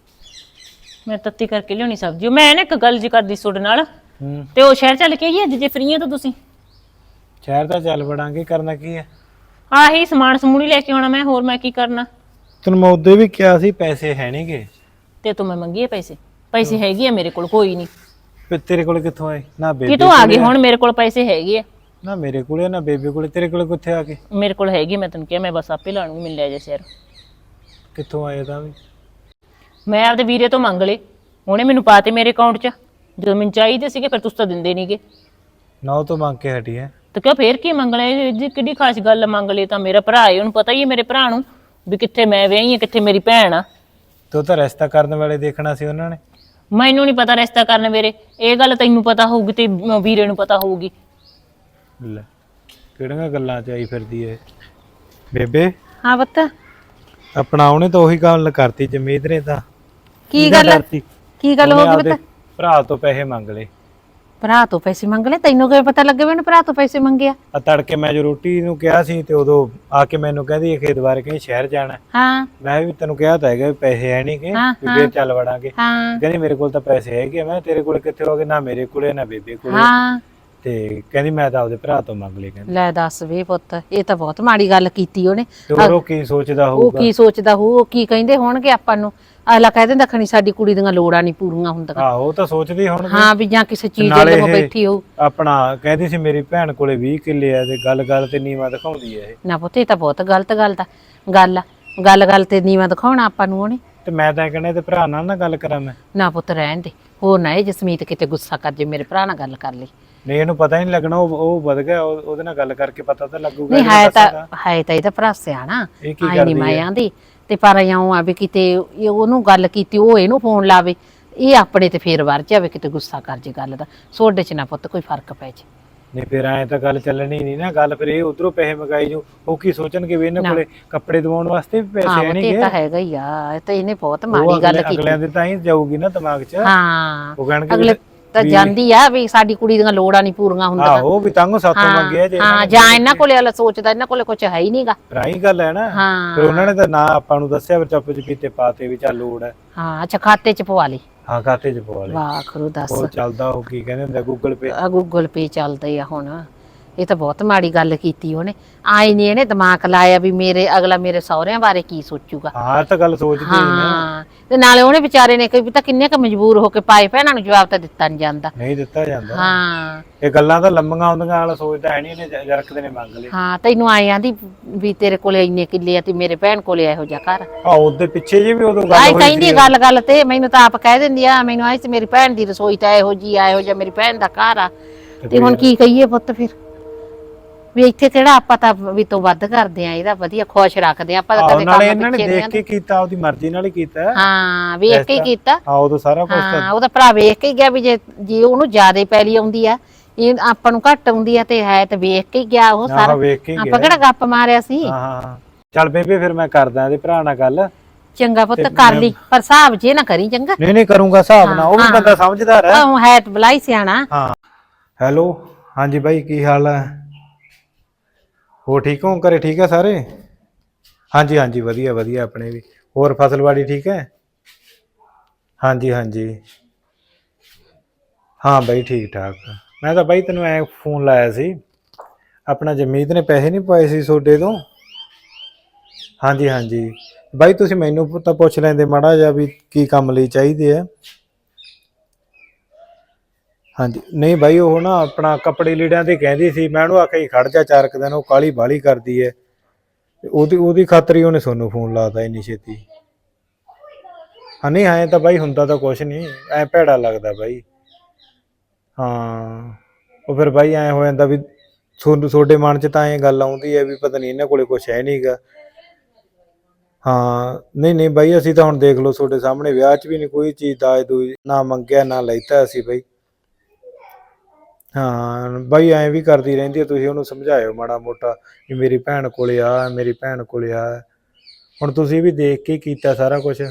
[SPEAKER 2] ਮੈਂ ਤੱਤੀ ਕਰਕੇ ਲਿਆਉਣੀ ਸਬਜ਼ੀ। ਮੈਂ ਨਾ ਇੱਕ ਗੱਲ ਜੀ ਕਰਦੀ ਤੁਹਾਡੇ ਨਾਲ, ਤੇ ਉਹ ਸ਼ਹਿਰ ਚੱਲ ਕੇ ਆਈਏ ਅੱਜ ਜੇ ਫਰੀ ਆ ਤਾਂ ਤੁਸੀਂ?
[SPEAKER 1] ਸ਼ਹਿਰ ਤਾਂ ਚੱਲ ਵੜਾਂਗੇ, ਕਰਨਾ ਕੀ ਹੈ?
[SPEAKER 2] ਆਹੀ ਸਮਾਨ ਸਮੂਨ ਹੀ ਲੈ ਕੇ ਆਉਣਾ ਮੈਂ, ਹੋਰ ਮੈਂ ਕੀ ਕਰਨਾ?
[SPEAKER 1] ਤੈਨੂੰ ਮੈਂ ਉਦੋਂ ਵੀ ਕਿਹਾ ਸੀ ਪੈਸੇ ਹੈ ਨਹੀਂਗੇ।
[SPEAKER 2] ਤੇ ਤੂੰ ਮੈਂ ਮੰਗੀਏ ਪੈਸੇ? ਪੈਸੇ ਹੈਗੇ ਆ ਮੇਰੇ ਕੋਲ, ਕੋਈ ਨਹੀਂ।
[SPEAKER 1] ਫਿਰ ਤੇਰੇ ਕੋਲ ਕਿੱਥੋਂ ਆਏ? ਨਾ ਬੇਬੇ
[SPEAKER 2] ਕਿਤੋਂ ਆ ਗਏ ਹੁਣ? ਮੇਰੇ ਕੋਲ ਪੈਸੇ ਹੈਗੇ ਆ।
[SPEAKER 1] ਨਾ ਮੇਰੇ ਕੋਲੇ ਨਾ ਬੇਬੇ ਕੋਲੇ, ਤੇਰੇ ਕੋਲੇ ਕਿੱਥੇ ਆ ਗਏ?
[SPEAKER 2] ਮੇਰੇ ਕੋਲ ਹੈਗੇ, ਮੈਂ ਤੈਨੂੰ ਕਿਹਾ ਮੈਂ ਬਸ ਆਪੇ ਲਾਣੂ ਮਿਲ ਲਿਆ ਜੇ ਸ਼ਹਿਰ।
[SPEAKER 1] ਕਿੱਥੋਂ ਆਏ ਤਾਂ ਵੀ?
[SPEAKER 2] ਮੈਂ ਆਪਦੇ ਵੀਰੇ ਤੋਂ ਮੰਗ ਲਏ, ਉਹਨੇ ਮੈਨੂੰ ਪਾਤੇ ਮੇਰੇ ਅਕਾਊਂਟ 'ਚ। ਜਦੋਂ ਮੈਨੂੰ ਚਾਹੀਦੇ ਸੀਗੇ ਫਿਰ ਤੁਸੀਂ ਤਾਂ ਦਿੰਦੇ ਨਹੀਂਗੇ।
[SPEAKER 1] ਨਾ ਉਹ ਤੋਂ ਮੰਗ ਕੇ ਹਟੀ ਹੈ
[SPEAKER 2] ਤੇ ਕਿਉਂ ਫੇਰ ਕੀ ਮੰਗਣਾ? ਇਹ ਕਿੱਡੀ ਖਾਸ ਗੱਲ ਮੰਗ ਲਈ ਤਾਂ? ਮੇਰਾ ਭਰਾ ਹੈ, ਉਹਨੂੰ ਪਤਾ ਹੀ ਹੈ ਮੇਰੇ ਭਰਾ ਨੂੰ ਵੀ ਕਿੱਥੇ ਮੈਂ ਵਿਆਹੀ ਆ, ਕਿੱਥੇ ਮੇਰੀ ਭੈਣ ਆ।
[SPEAKER 1] ਤੂੰ ਤਾਂ ਰਿਸ਼ਤਾ ਕਰਨ ਵਾਲੇ ਦੇਖਣਾ ਸੀ ਉਹਨਾਂ ਨੇ।
[SPEAKER 2] ਮੈਨੂੰ ਨਹੀਂ ਪਤਾ ਰਿਸ਼ਤਾ ਕਰਨ ਵੇਰੇ, ਇਹ ਗੱਲ ਤੈਨੂੰ ਪਤਾ ਹੋਊਗੀ ਤੇ ਵੀਰੇ ਨੂੰ ਪਤਾ ਹੋਊਗੀ।
[SPEAKER 1] ਲੈ ਕਿਹੜੀਆਂ ਗੱਲਾਂ ਚ ਆਈ ਫਿਰਦੀ ਏ ਬੇਬੇ।
[SPEAKER 3] ਹਾਂ ਪੁੱਤ।
[SPEAKER 1] ਆਪਣਾ ਉਹਨੇ ਤਾਂ ਉਹੀ ਗੱਲ ਕਰਤੀ ਜਮੀਦ ਨੇ ਤਾਂ।
[SPEAKER 3] ਕੀ ਗੱਲ? ਕੀ ਗੱਲ ਹੋ ਗਈ ਪੁੱਤ?
[SPEAKER 1] ਭਰਾ ਤੋਂ ਪੈਸੇ ਮੰਗ ਲਏ।
[SPEAKER 3] ਭਰਾ ਤੋਂ ਪੈਸੇ ਮੰਗ ਲਏ? ਤੈਨੂੰ ਕਿਵੇਂ ਪਤਾ ਲੱਗੇ ਮੈਨੂੰ ਭਰਾ ਤੋਂ ਪੈਸੇ ਮੰਗਿਆ?
[SPEAKER 1] ਆ ਤੜਕੇ ਮੈਂ ਜੋ ਰੋਟੀ ਨੂੰ ਕਿਹਾ ਸੀ ਤੇ ਉਦੋਂ ਆ ਕੇ ਮੈਨੂੰ ਕਹਿੰਦੀ ਖੇਤ ਬਾਰੇ ਕਹੀਂ ਸ਼ਹਿਰ ਜਾਣਾ।
[SPEAKER 3] ਹਾਂ
[SPEAKER 1] ਮੈਂ ਵੀ ਤੈਨੂੰ ਕਿਹਾ ਤਾਂ ਹੈਗਾ ਵੀ ਪੈਸੇ ਹੈ ਨਹੀਂ ਕਿ ਫੇਰ ਚੱਲ ਵੜਾਂਗੇ।
[SPEAKER 3] ਹਾਂ
[SPEAKER 1] ਕਹਿੰਦੀ ਮੇਰੇ ਕੋਲ ਤਾਂ ਪੈਸੇ ਹੈਗੇ। ਮੈਂ ਤੇਰੇ ਕੋਲ ਕਿੱਥੇ ਹੋਗੇ? ਨਾ ਮੇਰੇ ਕੋਲੇ ਨਾ ਬੇਬੇ ਕੋਲੇ।
[SPEAKER 3] ਹਾਂ
[SPEAKER 1] ਤੇ ਕਹਿੰਦੀ ਮੈਂ ਤਾਂ ਆਪਦੇ ਭਰਾ ਤੋਂ ਮੰਗ ਲਏ। ਕਹਿੰਦੀ
[SPEAKER 3] ਲੈ ਦੱਸ ਵੇ ਪੁੱਤ, ਇਹ ਤਾਂ ਬਹੁਤ ਮਾੜੀ ਗੱਲ ਕੀਤੀ ਉਹਨੇ।
[SPEAKER 1] ਤੇ ਹੋਰ ਉਹ ਕੀ ਸੋਚਦਾ
[SPEAKER 3] ਉਹ
[SPEAKER 1] ਹੋਊਗਾ?
[SPEAKER 3] ਕੀ ਸੋਚਦਾ ਹੋਊ? ਉਹ ਕੀ ਕਹਿੰਦੇ ਹੋਣਗੇ ਆਪਾਂ ਨੂੰ? ਅਗਲਾ ਕਹਿ ਦਿੰਦਾ ਖਣੀ ਸਾਡੀ ਕੁੜੀ ਦੀਆਂ ਲੋੜਾਂ ਨਹੀਂ ਪੂਰੀਆਂ ਹੁੰਦੀਆਂ।
[SPEAKER 1] ਆਹੋ ਉਹ ਤਾਂ ਸੋਚਦੀ ਹੁਣ।
[SPEAKER 3] ਹਾਂ ਵੀ ਜਾਂ ਕਿਸੇ ਚੀਜ਼
[SPEAKER 1] ਨਾਲੇ
[SPEAKER 3] ਦੇ ਬੈਠੀ ਹੋਊ।
[SPEAKER 1] ਆਪਣਾ ਕਹਿੰਦੀ ਸੀ ਮੇਰੀ ਭੈਣ ਕੋਲੇ ਵੀਹ ਕਿੱਲੇ ਆ ਤੇ ਗੱਲ ਗੱਲ ਤੇ ਨੀਵਾ ਦਿਖਾਉਂਦੀ ਆ ਇਹ।
[SPEAKER 3] ਨਾ ਪੁੱਤ ਇਹ ਤਾਂ ਬਹੁਤ ਗਲਤ ਗੱਲ ਦਾ ਗੱਲ ਆ। ਗੱਲ ਗੱਲ ਤੇ ਨੀਵਾ ਦਿਖਾਉਣਾ ਆਪਾਂ ਨੂੰ ਉਹਨੇ।
[SPEAKER 1] ਤੇ ਮੈਂ ਤਾਂ ਕਹਿੰਦਾ ਤੇ ਭਰਾ ਨਾਲ ਨਾ ਗੱਲ ਕਰਾਂ ਮੈਂ।
[SPEAKER 3] ਨਾ ਪੁੱਤ ਰਹਿਣ ਦੇ, ਹੋਰ ਨਾ ਇਹ ਜਸਮੀਤ ਕਿਤੇ ਗੁੱਸਾ ਕਰ ਜੇ ਮੇਰੇ ਭਰਾ ਨਾਲ ਗੱਲ ਕਰ ਲਈ।
[SPEAKER 1] ਨਹੀਂ ਇਹਨੂੰ ਪਤਾ ਹੀ ਨਹੀਂ ਲੱਗਣਾ, ਉਹ ਉਹ ਵਧ ਗਿਆ। ਉਹਦੇ ਨਾਲ ਗੱਲ ਕਰਕੇ ਪਤਾ ਤਾਂ ਲੱਗੂਗਾ।
[SPEAKER 3] ਨਹੀਂ ਹੈ ਤਾਂ ਹੈ ਤਾਂ ਇਹਦਾ ਭਰਾ ਸਿਆਣਾ,
[SPEAKER 1] ਇਹ ਕੀ
[SPEAKER 3] ਆਈ
[SPEAKER 1] ਕਰਦੀ
[SPEAKER 3] ਨਹੀਂ ਮੈਂ ਆਂਦੀ ਤੇ ਪਰ ਇਉਂ ਆ ਵੀ ਕਿਤੇ ਇਹ ਉਹਨੂੰ ਗੱਲ ਕੀਤੀ ਉਹ ਇਹਨੂੰ ਫੋਨ ਲਾਵੇ, ਇਹ ਆਪਣੇ ਤੇ ਫੇਰ ਵਰ ਜਾਵੇ ਕਿਤੇ ਗੁੱਸਾ ਕਰ ਜੇ ਗੱਲ ਦਾ। ਸੋਡੇ ਚ ਨਾ ਪੁੱਤ ਕੋਈ ਫਰਕ ਪੈ ਜੇ।
[SPEAKER 1] ਨਹੀਂ ਫਿਰ ਐਂ ਤਾਂ ਗੱਲ ਚੱਲਣੀ ਨਹੀਂ ਨਾ ਗੱਲ। ਫਿਰ ਇਹ ਉਧਰੋਂ ਪੈਸੇ ਮੰਗਾਈ ਜੋ, ਉਹ ਕੀ ਸੋਚਣਗੇ ਵੀ ਇਹਨਾਂ ਕੋਲੇ ਕੱਪੜੇ ਦਵਾਉਣ ਵਾਸਤੇ ਵੀ ਪੈਸੇ ਹੈ ਨਹੀਂ।
[SPEAKER 3] ਇਹ ਤਾਂ ਹੈਗਾ ਹੀ ਆ, ਇਹ ਤਾਂ ਇਹਨੇ ਬਹੁਤ ਮਾੜੀ ਗੱਲ ਕੀਤੀ।
[SPEAKER 1] ਅਗਲਿਆਂ ਦੇ ਤਾਂ ਹੀ ਜਾਊਗੀ ਨਾ ਦਿਮਾਗ 'ਚ।
[SPEAKER 3] ਹਾਂ
[SPEAKER 1] ਉਹ ਕਹਿਣਗੇ
[SPEAKER 3] ਅਗਲੇ ਤਾਂ ਜਾਂਦੀ ਆ ਵੀ ਸਾਡੀ ਕੁੜੀ ਦੀਆਂ ਲੋੜਾਂ ਨਹੀਂ ਪੂਰੀਆਂ ਹੁੰਦੀਆਂ।
[SPEAKER 1] ਆਹੋ ਵੀ ਤੰਗ ਸਾਥੋਂ ਮੰਗਿਆ ਜੇ
[SPEAKER 3] ਹਾਂ ਜਾਂ ਇਹਨਾਂ ਕੋਲੇ ਵਾਲਾ ਸੋਚਦਾ ਇਹਨਾਂ ਕੋਲੇ ਕੁਝ ਹੈ ਹੀ ਨਹੀਂਗਾ।
[SPEAKER 1] ਰਾਈ ਗੱਲ ਹੈ ਨਾ।
[SPEAKER 3] ਹਾਂ
[SPEAKER 1] ਫਿਰ ਉਹਨਾਂ ਨੇ ਤਾਂ ਨਾ ਆਪਾਂ ਨੂੰ ਦੱਸਿਆ ਫਿਰ ਚੱਪ ਚਪੀਤੇ ਪਾਤੇ ਵੀ ਚੱਲ ਲੋੜ ਹੈ।
[SPEAKER 3] ਹਾਂ ਅੱਛਾ ਖਾਤੇ ਚ ਪਵਾ ਲਈ।
[SPEAKER 1] ਹਾਂ ਖਾਤੇ ਚ ਪਵਾ ਲਈ।
[SPEAKER 3] ਵਾਹ ਖਰੂ ਦੱਸ
[SPEAKER 1] ਉਹ ਚੱਲਦਾ ਉਹ ਕੀ ਕਹਿੰਦੇ ਹੁੰਦੇ ਗੂਗਲ ਪੇ।
[SPEAKER 3] ਆ ਗੂਗਲ ਪੇ ਚੱਲਦੇ ਆ ਹੁਣ। ਇਹ ਤਾਂ ਬਹੁਤ ਮਾੜੀ ਗੱਲ ਕੀਤੀ ਉਹਨੇ। ਆਈ ਨਹੀਂ ਇਹਨੇ ਦਿਮਾਗ ਲਾਇਆ ਵੀ ਮੇਰੇ ਅਗਲਾ ਮੇਰੇ ਸਹੁਰਿਆਂ ਬਾਰੇ ਕੀ ਸੋਚੂਗਾ।
[SPEAKER 1] ਹਾਂ ਇਹ ਤਾਂ ਗੱਲ ਸੋਚਦੀ ਸੀ ਨਾ।
[SPEAKER 3] ਹਾਂ ਤੇ ਨਾਲੇ ਉਹਨੇ ਵਿਚਾਰੇ ਨੇ ਕੋਈ ਤਾਂ ਕਿੰਨੇ ਕ ਮਜਬੂਰ ਹੋ ਕੇ ਪਾਏ ਭੈਣਾਂ ਨੂੰ ਜਵਾਬ ਤਾਂ ਦਿੱਤਾ ਨਹੀਂ ਜਾਂਦਾ।
[SPEAKER 1] ਨਹੀਂ ਦਿੱਤਾ ਜਾਂਦਾ।
[SPEAKER 3] ਹਾਂ
[SPEAKER 1] ਇਹ ਗੱਲਾਂ ਤਾਂ ਲੰਮੀਆਂ ਆਉਂਦੀਆਂ ਵਾਲਾ ਸੋਚਦਾ ਹੈ ਨਹੀਂ ਇਹਨੇ ਜਰਕਦੇ ਨੇ ਮੰਗ ਲਏ।
[SPEAKER 3] ਹਾਂ ਤੈਨੂੰ ਆਏ ਆਂਦੀ ਵੀ ਤੇਰੇ ਕੋਲੇ ਇੰਨੇ ਕਿੱਲੇ ਆ ਤੇ ਮੇਰੇ ਭੈਣ ਕੋਲੇ ਇਹੋ ਜਿਹਾ ਘਰ।
[SPEAKER 1] ਆ ਉਹਦੇ ਪਿੱਛੇ ਜੇ ਵੀ ਉਦੋਂ ਗੱਲ
[SPEAKER 3] ਆਈ
[SPEAKER 1] ਹੋਈ
[SPEAKER 3] ਕਹਿੰਦੀ ਗੱਲ ਗੱਲ ਤੇ ਮੈਨੂੰ ਤਾਂ ਆਪ ਕਹਿ ਦਿੰਦੀ ਆ ਮੈਨੂੰ ਆਈ ਸੀ ਮੇਰੀ ਭੈਣ ਦੀ ਰਸੋਈ ਤਾਂ ਇਹੋ ਜੀ ਆ ਇਹੋ ਜਿਹਾ ਮੇਰੀ ਭੈਣ ਦਾ ਘਰ ਆ। ਤੇ ਹੁਣ ਕੀ ਕਹੀਏ ਪੁੱਤ ਫਿਰ ਵੀ ਇੱਥੇ ਕਿਹੜਾ ਆਪਾਂ ਤਾਂ ਵੀ ਤੋਂ ਵੱਧ ਕਰਦੇ ਆ ਇਹਦਾ ਵਧੀਆ ਖੁਸ਼ ਰੱਖਦੇ ਆ ਆਪਾਂ ਤਾਂ ਕਦੇ
[SPEAKER 1] ਨਾਲੇ ਇਹਨਾਂ ਨੇ ਦੇਖ ਕੇ ਕੀਤਾ ਉਹਦੀ ਮਰਜ਼ੀ ਨਾਲ ਹੀ ਕੀਤਾ।
[SPEAKER 3] ਹਾਂ ਵੇਖ ਕੇ ਹੀ ਕੀਤਾ।
[SPEAKER 1] ਹਾਂ ਉਦੋਂ ਸਾਰਾ ਕੁਝ
[SPEAKER 3] ਹਾਂ ਉਹਦਾ ਭਰਾ ਵੇਖ ਕੇ ਹੀ ਗਿਆ ਵੀ ਜੇ ਜੇ ਉਹਨੂੰ ਜ਼ਿਆਦਾ ਪੈਲੀ ਆਉਂਦੀ ਆ ਇਹ ਆਪਾਂ ਨੂੰ ਘੱਟ ਆਉਂਦੀ ਆ ਤੇ ਹੈ ਤੇ ਵੇਖ ਕੇ ਹੀ ਗਿਆ ਉਹ ਸਾਰਾ। ਆਪਾਂ ਕਿਹੜਾ ਗੱਪ ਮਾਰਿਆ ਸੀ।
[SPEAKER 1] ਹਾਂ ਹਾਂ ਚੱਲ ਬੇਬੇ ਫਿਰ ਮੈਂ ਕਰਦਾ ਇਹਦੇ ਭਰਾ ਨਾਲ ਗੱਲ।
[SPEAKER 3] ਚੰਗਾ ਪੁੱਤ ਕਰ ਲਈ ਪਰ ਹਿਸਾਬ ਜੇ ਨਾ ਕਰੀ ਚੰਗਾ।
[SPEAKER 1] ਨਹੀਂ ਨਹੀਂ ਕਰੂੰਗਾ ਹਿਸਾਬ ਨਾਲ। ਉਹ ਵੀ ਬੰਦਾ ਸਮਝਦਾਰ ਹੈ।
[SPEAKER 3] ਉਹ ਹੈ ਤੇ ਬਲਾਈ ਸਿਆਣਾ।
[SPEAKER 1] ਹਾਂ ਹੈਲੋ ਹਾਂਜੀ ਬਾਈ ਕੀ ਹਾਲ ਹੈ? ਹੋ ਠੀਕ ਹੋ ਘਰੇ ਠੀਕ ਹੈ ਸਾਰੇ? ਹਾਂਜੀ ਹਾਂਜੀ ਵਧੀਆ ਵਧੀਆ ਆਪਣੇ ਵੀ। ਹੋਰ ਫਸਲਵਾੜੀ ਠੀਕ ਹੈ? ਹਾਂਜੀ ਹਾਂਜੀ ਹਾਂ ਬਾਈ ਠੀਕ ਠਾਕ। ਮੈਂ ਤਾਂ ਬਾਈ ਤੈਨੂੰ ਐ ਫੋਨ ਲਾਇਆ ਸੀ ਆਪਣਾ ਜਮੀਤ ਨੇ ਪੈਸੇ ਨਹੀਂ ਪਾਏ ਸੀ ਤੁਹਾਡੇ ਤੋਂ। ਹਾਂਜੀ ਹਾਂਜੀ ਬਾਈ ਤੁਸੀਂ ਮੈਨੂੰ ਤਾਂ ਪੁੱਛ ਲੈਂਦੇ ਮਾੜਾ ਜਿਹਾ ਵੀ ਕੀ ਕੰਮ ਲਈ ਚਾਹੀਦੇ ਆ। ਹਾਂਜੀ ਨਹੀਂ ਬਾਈ ਉਹ ਨਾ ਆਪਣਾ ਕੱਪੜੇ ਲੀੜਿਆਂ ਤੇ ਕਹਿੰਦੀ ਸੀ। ਮੈਂ ਉਹਨੂੰ ਆਖਿਆ ਖੜ ਜਾ ਚਾਰ ਕੁ ਦਿਨ ਉਹ ਕਾਲੀ ਬਾਲੀ ਕਰਦੀ ਹੈ ਉਹਦੀ ਉਹਦੀ ਖਾਤਰ ਹੀ ਉਹਨੇ ਤੁਹਾਨੂੰ ਫੋਨ ਲਾਤਾ ਇੰਨੀ ਛੇਤੀ। ਹਾਂ ਨਹੀਂ ਐਂ ਤਾਂ ਬਾਈ ਹੁੰਦਾ ਤਾਂ ਕੁਛ ਨਹੀਂ ਐਂ ਭੈੜਾ ਲੱਗਦਾ ਬਾਈ। ਹਾਂ ਉਹ ਫਿਰ ਬਾਈ ਐਂ ਹੋ ਜਾਂਦਾ ਵੀ ਤੁਹਾਨੂੰ ਤੁਹਾਡੇ ਮਨ 'ਚ ਤਾਂ ਐਂ ਗੱਲ ਆਉਂਦੀ ਹੈ ਵੀ ਪਤਾ ਨਹੀਂ ਇਹਨਾਂ ਕੋਲੇ ਕੁਛ ਹੈ ਨਹੀਂ ਗਾ। ਹਾਂ ਨਹੀਂ ਨਹੀਂ ਬਾਈ ਅਸੀਂ ਤਾਂ ਹੁਣ ਦੇਖ ਲਓ ਤੁਹਾਡੇ ਸਾਹਮਣੇ ਵਿਆਹ 'ਚ ਵੀ ਨਹੀਂ ਕੋਈ ਚੀਜ਼ ਦਾਜ ਦੂਜ ਨਾ ਮੰਗਿਆ ਨਾ ਲੈਤਾ ਅਸੀਂ ਬਾਈ। ਹਾਂ ਬਾਈ ਐਂ ਵੀ ਕਰਦੀ ਰਹਿੰਦੀ ਹੈ। ਤੁਸੀਂ ਉਹਨੂੰ ਸਮਝਾਇਓ ਮਾੜਾ ਮੋਟਾ ਵੀ ਮੇਰੀ ਭੈਣ ਕੋਲੇ ਆ ਮੇਰੀ ਭੈਣ ਕੋਲੇ ਆ। ਹੁਣ ਤੁਸੀਂ ਵੀ ਦੇਖ ਕੇ ਕੀਤਾ ਸਾਰਾ ਕੁਛ।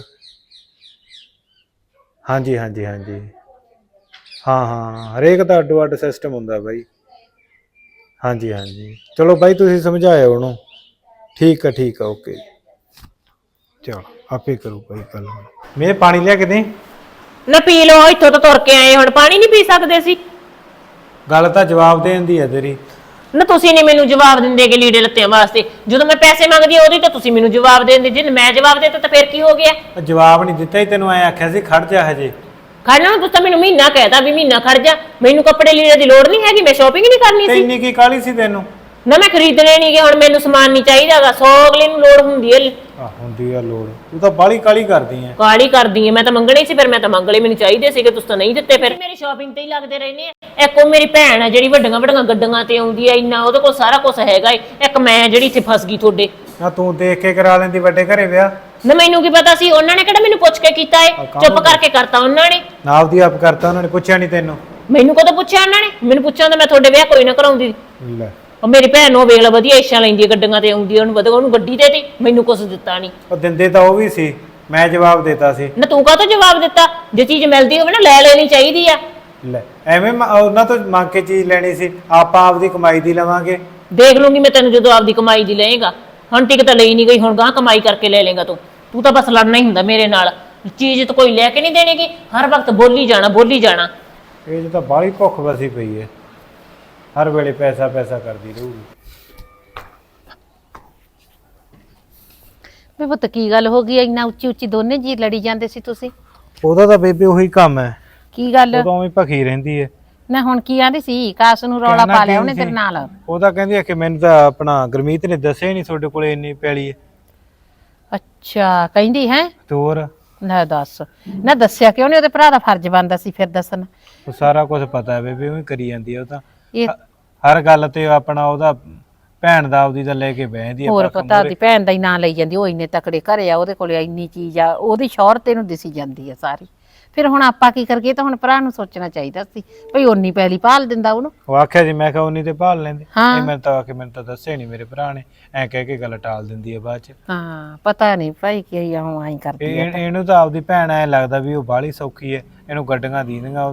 [SPEAKER 1] ਹਾਂਜੀ ਹਾਂਜੀ ਹਾਂਜੀ ਹਾਂ ਹਾਂ ਹਰੇਕ ਦਾ ਅੱਡੋ ਅੱਡ ਸਿਸਟਮ ਹੁੰਦਾ ਬਾਈ। ਹਾਂਜੀ ਹਾਂਜੀ ਚਲੋ ਬਾਈ ਤੁਸੀਂ ਸਮਝਾਇਓ ਉਹਨੂੰ। ਠੀਕ ਆ ਠੀਕ ਆ ਓਕੇ ਚਲੋ ਆਪੇ ਕਰੂ ਬਾਈ ਕੱਲ। ਮੈਂ ਪਾਣੀ ਲਿਆ ਕੇ ਦੇ
[SPEAKER 2] ਨਾ ਪੀ ਲਓ ਇੱਥੋਂ ਤਾਂ ਤੁਰ ਕੇ ਆਏ ਹੁਣ ਪਾਣੀ ਨਹੀਂ ਪੀ ਸਕਦੇ ਸੀ।
[SPEAKER 1] ਗੱਲ ਤਾਂ ਜਵਾਬ ਦੇਣ ਦੀ ਹੈ ਤੇਰੀ।
[SPEAKER 2] ਨਾ ਤੁਸੀਂ ਨਹੀਂ ਮੈਨੂੰ ਜਵਾਬ ਦਿੰਦੇ ਕਿ ਲੀੜੇ ਲੱਤਿਆਂ ਵਾਸਤੇ ਜਦੋਂ ਮੈਂ ਪੈਸੇ ਮੰਗਦੀ ਉਹਦੀ ਤਾਂ ਤੁਸੀਂ ਮੈਨੂੰ ਜਵਾਬ ਦੇਂਦੇ ਜੇ ਮੈਂ ਜਵਾਬ ਦੇਤਾ ਤਾਂ ਫਿਰ ਕੀ ਹੋ ਗਿਆ?
[SPEAKER 1] ਜਵਾਬ ਨਹੀਂ ਦਿੱਤਾ ਹੀ ਤੈਨੂੰ ਐ ਆਖਿਆ ਸੀ ਖੜ ਜਾ ਹਜੇ।
[SPEAKER 2] ਖੜਨਾ ਤੁਸੀਂ ਤਾਂ ਮੈਨੂੰ ਮਹੀਨਾ ਕਹਿਤਾ ਵੀ ਮਹੀਨਾ ਖੜ ਜਾ। ਮੈਨੂੰ ਕੱਪੜੇ ਲੀੜੇ ਦੀ ਲੋੜ ਨਹੀਂ ਹੈਗੀ ਮੈਂ ਸ਼ਾਪਿੰਗ ਨਹੀਂ ਕਰਨੀ ਸੀ।
[SPEAKER 1] ਇੰਨੀ ਕੀ ਕਾਹਲੀ ਸੀ ਤੈਨੂੰ?
[SPEAKER 2] ਨਾ ਮੈਂ ਖਰੀਦਣੇ ਨਹੀਂ ਗੇ ਹੁਣ ਮੈਨੂੰ ਸਮਾਨ ਨਹੀਂ ਚਾਹੀਦਾਗਾ। ਸੌ ਅਗਲੇ ਨੂੰ ਲੋੜ ਹੁੰਦੀ ਹੈ।
[SPEAKER 1] ਆ ਹੁੰਦੀ ਆ ਲੋੜ। ਤੂੰ ਤਾਂ ਬਾਲੀ ਕਾਲੀ ਕਰਦੀ ਐ।
[SPEAKER 2] ਕਾਲੀ ਕਰਦੀ ਐ ਮੈਂ ਤਾਂ ਮੰਗਣੇ ਸੀ ਫਿਰ ਮੈਂ ਤਾਂ ਮੰਗ ਲਏ ਮੈਨੂੰ ਚਾਹੀਦੇ ਸੀਗੇ ਤੁਸੀਂ ਤਾਂ ਨਹੀਂ ਦਿੱਤੇ। ਫਿਰ ਮੇਰੀ ਸ਼ਾਪਿੰਗ ਤੇ ਹੀ ਲੱਗਦੇ ਰਹਿੰਦੇ ਆ। ਇੱਕ ਉਹ ਮੇਰੀ ਭੈਣ ਆ ਜਿਹੜੀ ਵੱਡੀਆਂ ਵੱਡੀਆਂ ਗੱਡੀਆਂ ਤੇ ਆਉਂਦੀ ਆ ਇੰਨਾ ਉਹਦੇ ਕੋਲ ਸਾਰਾ ਕੁਝ ਹੈਗਾ ਏ। ਇੱਕ ਮੈਂ ਜਿਹੜੀ ਇੱਥੇ ਫਸ ਗਈ ਤੁਹਾਡੇ।
[SPEAKER 1] ਨਾ ਤੂੰ ਦੇਖ ਕੇ ਕਰਾ ਲੈਂਦੀ ਵੱਡੇ ਘਰੇ ਵਿਆਹ।
[SPEAKER 2] ਨਾ ਮੈਨੂੰ ਕੀ ਪਤਾ ਸੀ ਉਹਨਾਂ ਨੇ ਕਿਹੜਾ ਮੈਨੂੰ ਪੁੱਛ ਕੇ ਕੀਤਾ ਏ। ਚੁੱਪ ਕਰਕੇ ਕਰਤਾ ਉਹਨਾਂ ਨੇ।
[SPEAKER 1] ਨਾ ਆਪਦੀ ਆਪ ਕਰਤਾ ਉਹਨਾਂ ਨੇ ਪੁੱਛਿਆ ਨਹੀਂ ਤੈਨੂੰ।
[SPEAKER 2] ਮੈਨੂੰ ਕਦੋਂ ਪੁੱਛਿਆ ਉਹਨਾਂ ਨੇ? ਮੈਨੂੰ ਪੁੱਛਿਆ ਤਾਂ ਮੈਂ ਤੁਹਾਡੇ ਵਿਆਹ ਕੋਈ ਨਾ ਕਰਾਉਂਦੀ।
[SPEAKER 1] ਲੈ
[SPEAKER 2] ਉਹ ਮੇਰੀ ਭੈਣ ਨੂੰ ਵੇਖ ਲਾ ਵਧੀਆ ਇੱਛਾ ਲੈਂਦੀ ਹੈ ਗੱਡੀਆਂ ਤੇ ਆਉਂਦੀ ਉਹਨੂੰ ਵਧੀਆ ਉਹਨੂੰ ਗੱਡੀ ਦੇ ਤੀ ਮੈਨੂੰ ਕੁਝ ਦਿੱਤਾ ਨਹੀਂ।
[SPEAKER 1] ਉਹ ਦਿੰਦੇ ਤਾਂ ਉਹ ਵੀ ਸੀ ਮੈਂ ਜਵਾਬ ਦੇਤਾ ਸੀ।
[SPEAKER 2] ਨਾ ਤੂੰ ਕਾਹਤੋਂ ਜਵਾਬ ਦਿੱਤਾ? ਜੇ ਚੀਜ਼ ਮਿਲਦੀ ਹੋਵੇ ਨਾ ਲੈ ਲੈਣੀ ਚਾਹੀਦੀ ਆ।
[SPEAKER 1] ਲੈ ਐਵੇਂ ਉਹਨਾਂ ਤੋਂ ਮੰਗ ਕੇ ਚੀਜ਼ ਲੈਣੀ ਸੀ। ਆਪਾਂ ਆਪਦੀ ਕਮਾਈ ਦੀ ਲਵਾਂਗੇ।
[SPEAKER 2] ਦੇਖ ਲੂੰਗੀ ਮੈਂ ਤੈਨੂੰ ਜਦੋਂ ਆਪਦੀ ਕਮਾਈ ਦੀ ਲਏਗਾ। ਹੁਣ ਟਿਕਟ ਲਈ ਨਹੀਂ ਗਈ ਹੁਣ ਗਾਂ ਕਮਾਈ ਕਰਕੇ ਲੈ ਲੇਗਾ ਤੂੰ। ਤੂੰ ਤਾਂ ਬਸ ਲੜਨਾ ਹੀ ਹੁੰਦਾ ਮੇਰੇ ਨਾਲ। ਚੀਜ਼ ਤਾਂ ਕੋਈ ਲੈ ਕੇ ਨਹੀਂ ਦੇਣੀਗੀ ਹਰ ਵਕਤ ਬੋਲੀ ਜਾਣਾ ਬੋਲੀ ਜਾਣਾ।
[SPEAKER 1] ਇਹ ਤਾਂ ਬਾਹਲੀ ਭੁੱਖ ਵਸੀ ਪਈ ਹੈ ਹਰ ਵੇਲੇ ਪੈਸਾ ਪੈਸਾ ਕਰਦੀ ਰਹੂਗੀ।
[SPEAKER 3] ਵੇ ਪੁੱਤ ਕੀ ਗੱਲ ਹੋ ਗਈ ਇੰਨਾ ਉੱਚੀ ਉੱਚੀ ਦੋਨੇ ਜੀ ਲੜੀ ਜਾਂਦੇ ਸੀ ਤੁਸੀਂ?
[SPEAKER 1] ਉਹਦਾ ਤਾਂ ਬੇਬੇ ਉਹੀ ਕੰਮ ਹੈ।
[SPEAKER 3] ਕੀ ਗੱਲ?
[SPEAKER 1] ਉਹ ਤਾਂ ਉਵੇਂ ਭਖੀ ਰਹਿੰਦੀ ਹੈ।
[SPEAKER 3] ਨਾ ਹੁਣ ਕੀ ਆਂਦੀ ਸੀ? ਕਾਸ ਨੂੰ ਰੌਲਾ ਪਾ ਲਿਆ ਉਹਨੇ ਤੇਰੇ ਨਾਲ?
[SPEAKER 1] ਉਹ ਤਾਂ ਕਹਿੰਦੀ ਆ ਕਿ ਮੈਨੂੰ ਤਾਂ ਆਪਣਾ ਗੁਰਮੀਤ ਨੇ ਦੱਸਿਆ ਨਹੀਂ ਤੁਹਾਡੇ ਕੋਲੇ ਇੰਨੀ ਪੈਲੀ ਹੈ।
[SPEAKER 3] ਅੱਛਾ ਕਹਿੰਦੀ ਹੈ
[SPEAKER 1] ਤੇ ਹੋਰ
[SPEAKER 3] ਨਾ ਦੱਸ ਨਾ ਦੱਸਿਆ ਕਿਉਂ ਨਹੀਂ? ਉਹਦੇ ਭਰਾ ਦਾ ਫਰਜ਼ ਬਣਦਾ ਸੀ ਫਿਰ ਦੱਸਣ।
[SPEAKER 1] ਉਹ ਸਾਰਾ ਕੁਝ ਪਤਾ ਹੈ ਬੇਬੇ ਉਵੇਂ ਕਰੀ ਜਾਂਦੀ ਹੈ ਉਹ ਤਾਂ।
[SPEAKER 3] ਇਹ
[SPEAKER 1] ਹਰ ਗੱਲ ਤੇ ਆਪਣਾ ਉਹਦਾ ਭੈਣ ਦਾ ਆਪਦੀ ਤਾਂ ਲੈ ਕੇ ਬਹਿੰਦੀ ਆ।
[SPEAKER 3] ਹੋਰ ਪਤਾ ਉਹਦੀ ਭੈਣ ਦਾ ਹੀ ਨਾਂ ਲਈ ਜਾਂਦੀ। ਉਹ ਇੰਨੇ ਤਕੜੇ ਘਰੇ ਆ ਉਹਦੇ ਕੋਲੇ ਇੰਨੀ ਚੀਜ਼ ਆ ਉਹਦੀ ਸ਼ੌਹਰਤ ਇਹਨੂੰ ਦਿਸੀ ਜਾਂਦੀ ਆ ਸਾਰੀ। ਫਿਰ ਹੁਣ ਆਪਾਂ ਕੀ ਕਰੀਏ? ਤਾਂ ਹੁਣ ਭਰਾ ਨੂੰ ਸੋਚਣਾ ਚਾਹੀਦਾ ਸੀ ਭਈ ਓਨੀ ਪੈਲੀ ਭਾਲ ਦਿੰਦਾ ਉਹਨੂੰ।
[SPEAKER 1] ਉਹ ਆਖਿਆ ਜੀ ਮੈਂ ਕਿਹਾ ਉਨੀ ਤੇ ਭਾਲ ਲੈਂਦੇ।
[SPEAKER 3] ਹਾਂ।
[SPEAKER 1] ਇਹ ਮੈਨੂੰ ਤਾਂ ਆਖੇ ਮੈਨੂੰ ਤਾਂ ਦੱਸਿਆ ਨਹੀਂ ਮੇਰੇ ਭਰਾ ਨੇ ਐ ਕਹਿ ਕੇ ਗੱਲ ਟਾਲ ਦਿੰਦੀ ਹੈ ਬਾਅਦ ਚ।
[SPEAKER 3] ਹਾਂ ਪਤਾ ਨਹੀਂ ਭਾਈ ਕੀ ਆ ਹੁਣ ਆਈ ਕਰਦੀ
[SPEAKER 1] ਇਹ ਇਹਨੂੰ ਤਾਂ ਆਪਦੀ ਭੈਣ ਐ ਲੱਗਦਾ ਵੀ ਉਹ ਬਾਹਲੀ ਸੌਖੀ ਹੈ ਇਹਨੂੰ ਗੱਡੀਆਂ ਦੀ ਦੀਆਂ ਉਹਦੀਆਂ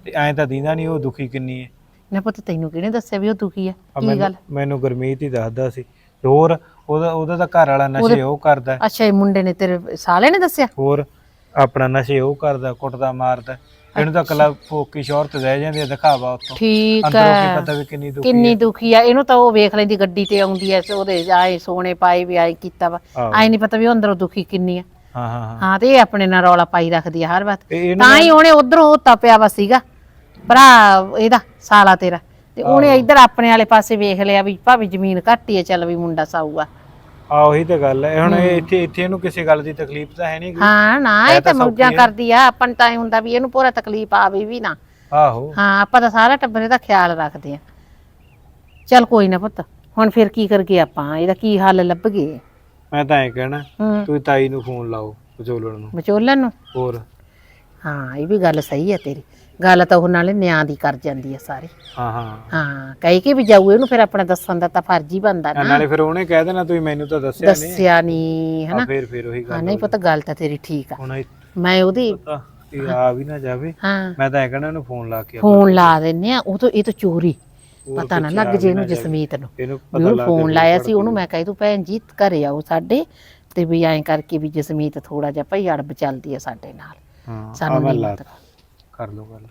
[SPEAKER 1] ਤੇ ਐਂ ਤਾਂ ਦੀਂਦਾ ਨਹੀਂ ਉਹ ਦੁਖੀ ਕਿੰਨੀ ਹੈ।
[SPEAKER 3] ਨਾ ਪੁੱਤ ਤੈਨੂੰ ਕਿਹਨੇ ਦੱਸਿਆ ਵੀ ਉਹ ਦੁਖੀ ਆ?
[SPEAKER 1] ਆ
[SPEAKER 3] ਕੀ
[SPEAKER 1] ਮੈਨੂੰ
[SPEAKER 3] ਗੱਲ?
[SPEAKER 1] ਮੈਨੂੰ ਗੁਰਮੀਤ ਹੀ ਦੱਸਦਾ ਸੀ। ਤੇ ਹੋਰ ਉਹਦਾ ਉਹਦਾ ਤਾਂ ਘਰ ਵਾਲਾ ਨਸ਼ੇ ਉਹ ਕਰਦਾ,
[SPEAKER 3] ਅੱਛਾ ਇਹ ਮੁੰਡੇ ਨੇ ਤੇਰੇ ਸਾਲੇ ਨੇ ਦੱਸਿਆ?
[SPEAKER 1] ਹੋਰ ਆਪਣਾ ਨਸ਼ੇ ਉਹ ਕਰਦਾ, ਕੁੱਟਦਾ ਮਾਰਦਾ। ਇਹਨੂੰ ਤਾਂ ਕੱਲਾ ਫੋਕੀ ਸ਼ੌਹਰਤ ਰਹਿ ਜਾਂਦੀ ਆ, ਦਿਖਾਵਾ ਉੱਤੋਂ।
[SPEAKER 3] ਠੀਕ
[SPEAKER 1] ਅੰਦਰੋਂ ਕੀ
[SPEAKER 3] ਹੈ,
[SPEAKER 1] ਪਤਾ ਵੀ ਕਿੰਨੀ ਦੁਖੀ
[SPEAKER 3] ਕਿੰਨੀ
[SPEAKER 1] ਹੈ।
[SPEAKER 3] ਦੁਖੀ ਆ। ਇਹਨੂੰ ਤਾਂ ਉਹ ਵੇਖ ਲੈਂਦੀ ਗੱਡੀ ਤੇ ਆਉਂਦੀ ਐ, ਉਹਦੇ ਆਏ ਸੋਨੇ ਪਾਏ ਵੀ ਆਏ ਕੀਤਾ ਵਾ,
[SPEAKER 1] ਆਹੋ।
[SPEAKER 3] ਆਏ ਨਹੀਂ ਪਤਾ ਵੀ ਉਹ ਅੰਦਰੋਂ ਦੁਖੀ ਕਿੰਨੀ ਆ।
[SPEAKER 1] ਹਾਂ ਹਾਂ ਹਾਂ
[SPEAKER 3] ਹਾਂ ਤੇ ਇਹ ਆਪਣੇ ਨਾਲ ਰੌਲਾ ਪਾਈ ਰੱਖਦੀ ਆ ਹਰ ਵਾਰ।
[SPEAKER 1] ਤੇ ਇਹਨੂੰ
[SPEAKER 3] ਤਾਂ ਹੀ ਉਹਨੇ ਉਧਰੋਂ ਉੱਤਾ ਪਿਆ ਵਾ ਸੀਗਾ ਭਰਾ ਇਹਦਾ ਸਾਲਾ ਤੇਰਾ, ਤੇ ਉਹਨੇ ਇੱਧਰ ਆਪਣੇ ਵਾਲੇ ਪਾਸੇ ਵੇਖ ਲਿਆ ਵੀ ਭਾਵੇਂ ਜ਼ਮੀਨ ਘੱਟ ਹੀ ਆ, ਚੱਲ ਵੀ ਮੁੰਡਾ ਸਾਊਗਾ।
[SPEAKER 1] ਆ ਉਹੀ ਤਾਂ ਗੱਲ ਹੈ। ਹੁਣ ਇਹ ਇੱਥੇ ਇੱਥੇ ਇਹਨੂੰ ਕਿਸੇ ਗੱਲ ਦੀ ਤਕਲੀਫ ਤਾਂ ਹੈ ਨਹੀਂ।
[SPEAKER 3] ਹਾਂ ਨਾ ਇਹ ਤਾਂ ਮੌਜਾਂ ਕਰਦੀ ਆ, ਆਪਾਂ ਨੂੰ ਤਾਂ ਇਹ ਹੁੰਦਾ ਵੀ ਇਹਨੂੰ ਪੂਰਾ ਤਕਲੀਫ ਆਵੇ ਵੀ ਨਾ।
[SPEAKER 1] ਆਹੋ
[SPEAKER 3] ਹਾਂ ਆਪਾਂ ਤਾਂ ਸਾਰਾ ਟੱਬਰ ਦਾ ਖਿਆਲ ਰੱਖਦੇ ਆ। ਚੱਲ ਕੋਈ ਨਾ ਪੁੱਤ, ਹੁਣ ਫਿਰ ਕੀ ਕਰਗੇ ਆਪਾਂ, ਇਹਦਾ ਕੀ ਹੱਲ ਲੱਭਗੇ?
[SPEAKER 1] ਮੈਂ ਤਾਂ ਐ ਕਹਿਣਾ
[SPEAKER 3] ਹੂੰ
[SPEAKER 1] ਤੂੰ ਤਾਈ ਨੂੰ ਫੋਨ ਲਾਓ, ਵਿਚੋਲਣ ਨੂੰ।
[SPEAKER 3] ਵਿਚੋਲਣ ਨੂੰ?
[SPEAKER 1] ਹੋਰ
[SPEAKER 3] ਹਾਂ ਇਹ ਵੀ ਗੱਲ ਸਹੀ ਹੈ ਤੇਰੀ, ਗੱਲ ਤਾਂ ਉਹ ਨਾਲੇ ਨਿਆਂ ਦੀ ਕਰ ਜਾਂਦੀ ਹੈ ਸਾਰੀ।
[SPEAKER 1] ਹਾਂ ਹਾਂ
[SPEAKER 3] ਹਾਂ ਕਹੀ ਕਿ ਵੀ ਜਾਊ ਇਹਨੂੰ, ਫਿਰ ਆਪਣਾ ਦੱਸਣ ਦਾ ਤਾਂ ਫਰਜ਼ ਹੀ ਬਣਦਾ ਨਾ।
[SPEAKER 1] ਨਾਲੇ ਫਿਰ ਉਹਨੇ ਕਹਿ ਦੇਣਾ ਤੁਸੀਂ ਮੈਨੂੰ ਤਾਂ ਦੱਸਿਆ ਨਹੀਂ।
[SPEAKER 3] ਦੱਸਿਆ ਨਹੀਂ
[SPEAKER 1] ਹਾਂ
[SPEAKER 3] ਹਨਾ।
[SPEAKER 1] ਫਿਰ ਫਿਰ ਉਹੀ
[SPEAKER 3] ਹਾਂ
[SPEAKER 1] ਗੱਲ
[SPEAKER 3] ਨਹੀਂ ਪਤਾ, ਗੱਲ ਤਾਂ ਤੇਰੀ ਠੀਕ ਆ।
[SPEAKER 1] ਹੁਣ ਇਹ
[SPEAKER 3] ਮੈਂ ਉਹਦੀ
[SPEAKER 1] ਪਤਾ ਇਹ ਆ ਵੀ ਨਾ ਜਾਵੇ।
[SPEAKER 3] ਹਾਂ
[SPEAKER 1] ਮੈਂ ਤਾਂ ਐ ਕਹਿਣਾ ਇਹਨੂੰ ਫੋਨ ਲਾ ਕੇ
[SPEAKER 3] ਫੋਨ ਲਾ ਦਿੰਨੇ ਆ, ਉਹ ਤੋਂ ਇਹ ਤਾਂ ਚੋਰੀ
[SPEAKER 1] ਹੋਰ
[SPEAKER 3] ਪਤਾ ਨਾ
[SPEAKER 1] ਪਿੱਛੇ
[SPEAKER 3] ਲੱਗ
[SPEAKER 1] ਆ
[SPEAKER 3] ਜੇ
[SPEAKER 1] ਵੀ
[SPEAKER 3] ਇਹਨੂੰ
[SPEAKER 1] ਨਾ ਜਾਵੇ।
[SPEAKER 3] ਜਸਮੀਤ ਨੂੰ।
[SPEAKER 1] ਇਹਨੂੰ
[SPEAKER 3] ਵੀ
[SPEAKER 1] ਪਤਾ
[SPEAKER 3] ਉਹਨੂੰ
[SPEAKER 1] ਲੱਗ
[SPEAKER 3] ਫੋਨ
[SPEAKER 1] ਗਿਆ
[SPEAKER 3] ਲਾਇਆ
[SPEAKER 1] ਵੀ
[SPEAKER 3] ਸੀ ਉਹਨੂੰ, ਮੈਂ ਕਹੀ ਤੂੰ ਭੈਣ ਜੀ ਘਰੇ ਆਓ ਸਾਡੇ, ਤੇ ਵੀ ਐਂ ਕਰਕੇ ਵੀ ਜਸਮੀਤ ਥੋੜਾ ਜਿਹਾ ਭਈ ਅੜਬ ਚੱਲਦੀ ਆ ਸਾਡੇ ਨਾਲ,
[SPEAKER 1] ਹਾਂ
[SPEAKER 3] ਸਾਨੂੰ
[SPEAKER 1] ਮੈਂ
[SPEAKER 3] ਨਹੀਂ
[SPEAKER 1] ਲਾ
[SPEAKER 3] ਪਤਾ।
[SPEAKER 1] ਕਰ ਲਓ ਗੱਲ।